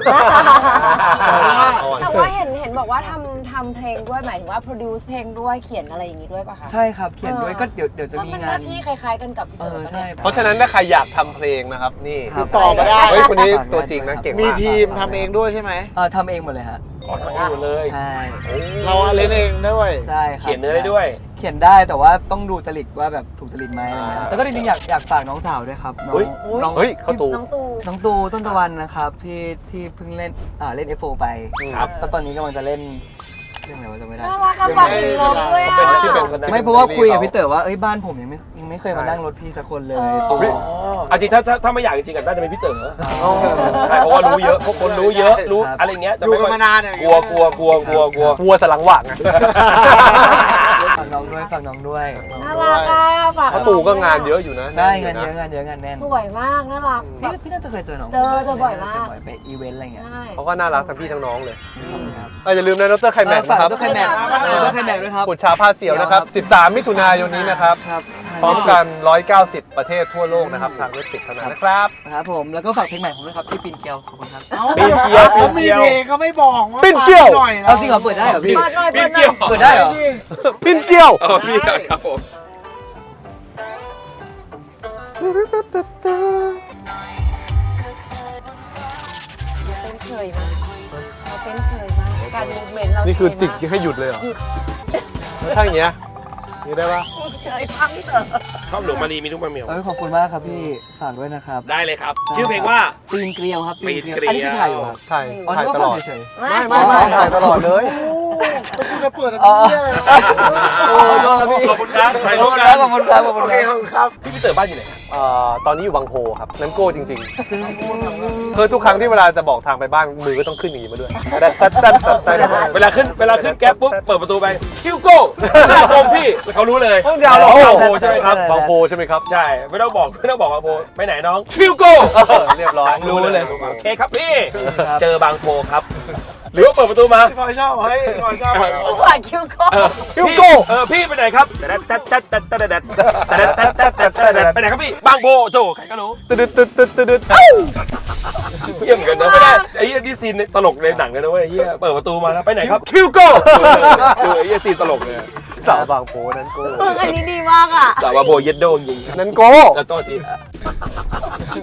[SPEAKER 4] แต่ว่าเห็นบอกว่าทำเพลงด้วยหมายถึงว่า produce เพลงด้วยเขียนอะไรอย่างงี้ด้วยป่ะคะ
[SPEAKER 5] ใช่ครับเขียนด้วยก็เดี๋ยวจะมี
[SPEAKER 4] ก็เป็นห
[SPEAKER 5] งาน
[SPEAKER 4] น้าที่คล้ายๆกันกับพี่เต๋อ
[SPEAKER 5] ใช่
[SPEAKER 1] เพราะฉะนั้นถ้าใครอยากทำเพลงนะครับนี่
[SPEAKER 5] ครับ
[SPEAKER 3] ต่อมาได้
[SPEAKER 1] เฮ้ยคนนี้ตัวจริงนะเก่ง
[SPEAKER 3] มี
[SPEAKER 1] มาก
[SPEAKER 3] ทีมทำเองด้วยใช่ไหม
[SPEAKER 5] ทำเองหมดเลยฮะ
[SPEAKER 2] อยู่เลย
[SPEAKER 5] ใช่
[SPEAKER 3] เราเล่นเองด้วย
[SPEAKER 5] ได้ครับ
[SPEAKER 2] เขียนเนื้อได้ด้วย
[SPEAKER 5] เขียนได้แต่ว่าต้องดูจริตว่าแบบถูกจริตไหมอะไรเงี้ยแล้วก็จริงๆอยากฝากน้องสาวด้วยครับน้อง
[SPEAKER 2] อุ๊ย
[SPEAKER 5] น้อง
[SPEAKER 1] เฮ้ยเข้าตู
[SPEAKER 4] น้องตู
[SPEAKER 5] น้องตูต้นตะวันนะครับที่เพิ่งเล่นF4 ไป
[SPEAKER 2] ครับ
[SPEAKER 5] แล้วตอนนี้กำลังจะเล่นเรื่องอะไรวะจำไม่ได้
[SPEAKER 4] น่ารักกับฝากอีกน้องด้วย
[SPEAKER 2] เป็น
[SPEAKER 4] อ่ะ
[SPEAKER 2] ที่เป็นคน
[SPEAKER 5] ไม่เพราะว่าคุยกับพี่เต๋อว่าบ้านผมยังไม่เคยมานั่งรถพี่สักคนเลย
[SPEAKER 4] เออ
[SPEAKER 2] เอาจริงถ้าไม่อยากจริงๆก็น่าจะเป็นพี่เต๋อใช่เพราะว่ารู้เยอะพวกคนรู้เยอะรู้อะไรเงี้ยจะ
[SPEAKER 3] อยู่
[SPEAKER 2] ไม่
[SPEAKER 3] กัน
[SPEAKER 2] ค่อย
[SPEAKER 3] มานานเนี่ย
[SPEAKER 2] กลัว
[SPEAKER 1] วัวสลังหว่างไง
[SPEAKER 5] ฝากน้องด้วย
[SPEAKER 4] น่ารักอ่ะฝาก
[SPEAKER 1] เพราะตู่ก็งานเยอะอยู่นะ
[SPEAKER 5] ใช่
[SPEAKER 1] แ
[SPEAKER 5] งานเยอะงานแน่น
[SPEAKER 4] สวยมากน่ารักแบบ
[SPEAKER 5] พี่น่าจะเคยเจอน้อง
[SPEAKER 4] เจอบ่อยมาก
[SPEAKER 5] ไปอีเวนต์อะไรเงี้ย
[SPEAKER 4] ใช่
[SPEAKER 1] เขาก็น่ารักทั้งพี่ทั้งน้องเลย
[SPEAKER 5] ครับ
[SPEAKER 1] อย่าลืมนะดรไคแม็ก
[SPEAKER 5] ฝาก
[SPEAKER 1] นะครับ
[SPEAKER 5] ดรไคแม็กดรไคแม็กด้วยครับ
[SPEAKER 1] ขุดชาผ้าเสียวนะครับ 13 มิถุนายนนี้นะครับ
[SPEAKER 5] ครับ
[SPEAKER 1] พร้อมกัน 190 ประเทศทั่วโลกนะครับ ทางเว็บไซต์เท่านั้นนะครับ
[SPEAKER 5] นะครับผมแล้วก็ฝากเพลงใหม่ผมด้วยครับชื่อปีนเกลียวขอบคุณครับ
[SPEAKER 2] ปีนเกลียว
[SPEAKER 3] เขามีเพลงเขาไม่บอกว่า
[SPEAKER 1] ปิ้นเกี้ยว
[SPEAKER 3] หน่อย
[SPEAKER 5] เอาจริงเหรอเปิดได้เหรอพี่
[SPEAKER 4] เปิดหน่อย
[SPEAKER 2] ปี
[SPEAKER 4] เปิ
[SPEAKER 2] น
[SPEAKER 4] ดหน่อย
[SPEAKER 2] เกลียว
[SPEAKER 5] เปิดได้เหรอ
[SPEAKER 1] พินเกี้ยว
[SPEAKER 2] พี่ครับผม
[SPEAKER 4] เต้นเฉยมากเขาเต้นเฉยมากการมูฟเมนต์เรา
[SPEAKER 1] นี่คือ
[SPEAKER 4] เฉ
[SPEAKER 1] จิ
[SPEAKER 4] ย
[SPEAKER 1] ก
[SPEAKER 4] มาก
[SPEAKER 1] ให้หยุดเลยเหรอแล้วถ้าอย่างเงี้ยนี่ได้ปะ
[SPEAKER 4] เฉยพังพี่เต๋อ
[SPEAKER 2] ชอบหนูมารีมีทุกมาเหมียว
[SPEAKER 5] ขอบคุณมากครับพี่ฝากด้วยนะครับ
[SPEAKER 2] ได้เลยครับ ชื่อเพลงว่า
[SPEAKER 5] ปีนเกลียวครับ
[SPEAKER 2] ปีนเกลียว
[SPEAKER 5] อันนี้คือถ่ายอยู่ครับ
[SPEAKER 1] ถ่าย
[SPEAKER 5] อ๋อ
[SPEAKER 1] ถ่าย
[SPEAKER 5] นี่ก็
[SPEAKER 1] ต
[SPEAKER 5] ฟั
[SPEAKER 1] ล
[SPEAKER 5] ง
[SPEAKER 1] อด
[SPEAKER 5] เฉย
[SPEAKER 1] ไม่ถ่ายตลอดเลย
[SPEAKER 3] แล้วกูจะเปิดแต่
[SPEAKER 5] อ๋อ
[SPEAKER 3] เพี้ยอะไรนะ
[SPEAKER 5] โอ้โหพี่
[SPEAKER 2] ขอบคุณครับถ่าย
[SPEAKER 5] ข
[SPEAKER 2] รู
[SPEAKER 5] อบ
[SPEAKER 2] ป
[SPEAKER 5] คุณ
[SPEAKER 2] นะครับ
[SPEAKER 5] ขอบคุณครับขอบคุ
[SPEAKER 3] โอ
[SPEAKER 5] ณ
[SPEAKER 3] เค
[SPEAKER 5] ค
[SPEAKER 3] ข
[SPEAKER 5] รั
[SPEAKER 3] อ
[SPEAKER 5] บบ
[SPEAKER 3] คุณครับ
[SPEAKER 2] พี่เต๋อบ้านอยู่ไหน
[SPEAKER 1] ตอนนี้อยู่บางโพครับนั้นโก้จริงๆคือทุกครั้งที่เวลาจะบอกทางไปบ้านมือก็ต้องขึ้นอย่างนี้มาด้วยแต่
[SPEAKER 2] เวลาขึ้นแก๊ปปุ๊บเปิดประตูไปคิวโก้หน้าคมพี่แล้วเขารู้เลย
[SPEAKER 1] ต้องยาวหรอ
[SPEAKER 2] บางโพใช่ไหมครับ
[SPEAKER 1] บางโพใช่ไหมครับ
[SPEAKER 2] ใช่ไม่ต้องบอกบางโพไปไหนน้องคิวโก้
[SPEAKER 1] เรียบร้อย
[SPEAKER 2] รู้เลยโอเคครับพี่ เจอบางโพครับ หรือว่าเปิดประตูมา
[SPEAKER 3] พี่พลอยชอบเฮ้ยพี่พลอยชอบ
[SPEAKER 4] หวานคิวโก้
[SPEAKER 2] คิวโก้พี่ไปไหนครับไปไหนครับพี่บางโพโจใครก็รู้
[SPEAKER 1] ตึ๊ด
[SPEAKER 2] เยี่ยมกันนะไม่ได้ไอ้นี่ซีนตลกในหนังเลยนะเว้ยเฮียเปิดประตูมาแล้วไปไหนครับคิวโก้ไอ้ซีนตลกเลย
[SPEAKER 1] สาวบางโพนั้นโก้
[SPEAKER 4] อันนี้ดีมากอ่ะ
[SPEAKER 2] แต่ว่าโพเย็ดโดงยิง
[SPEAKER 1] นั้นโก้
[SPEAKER 2] แล้วโต้ที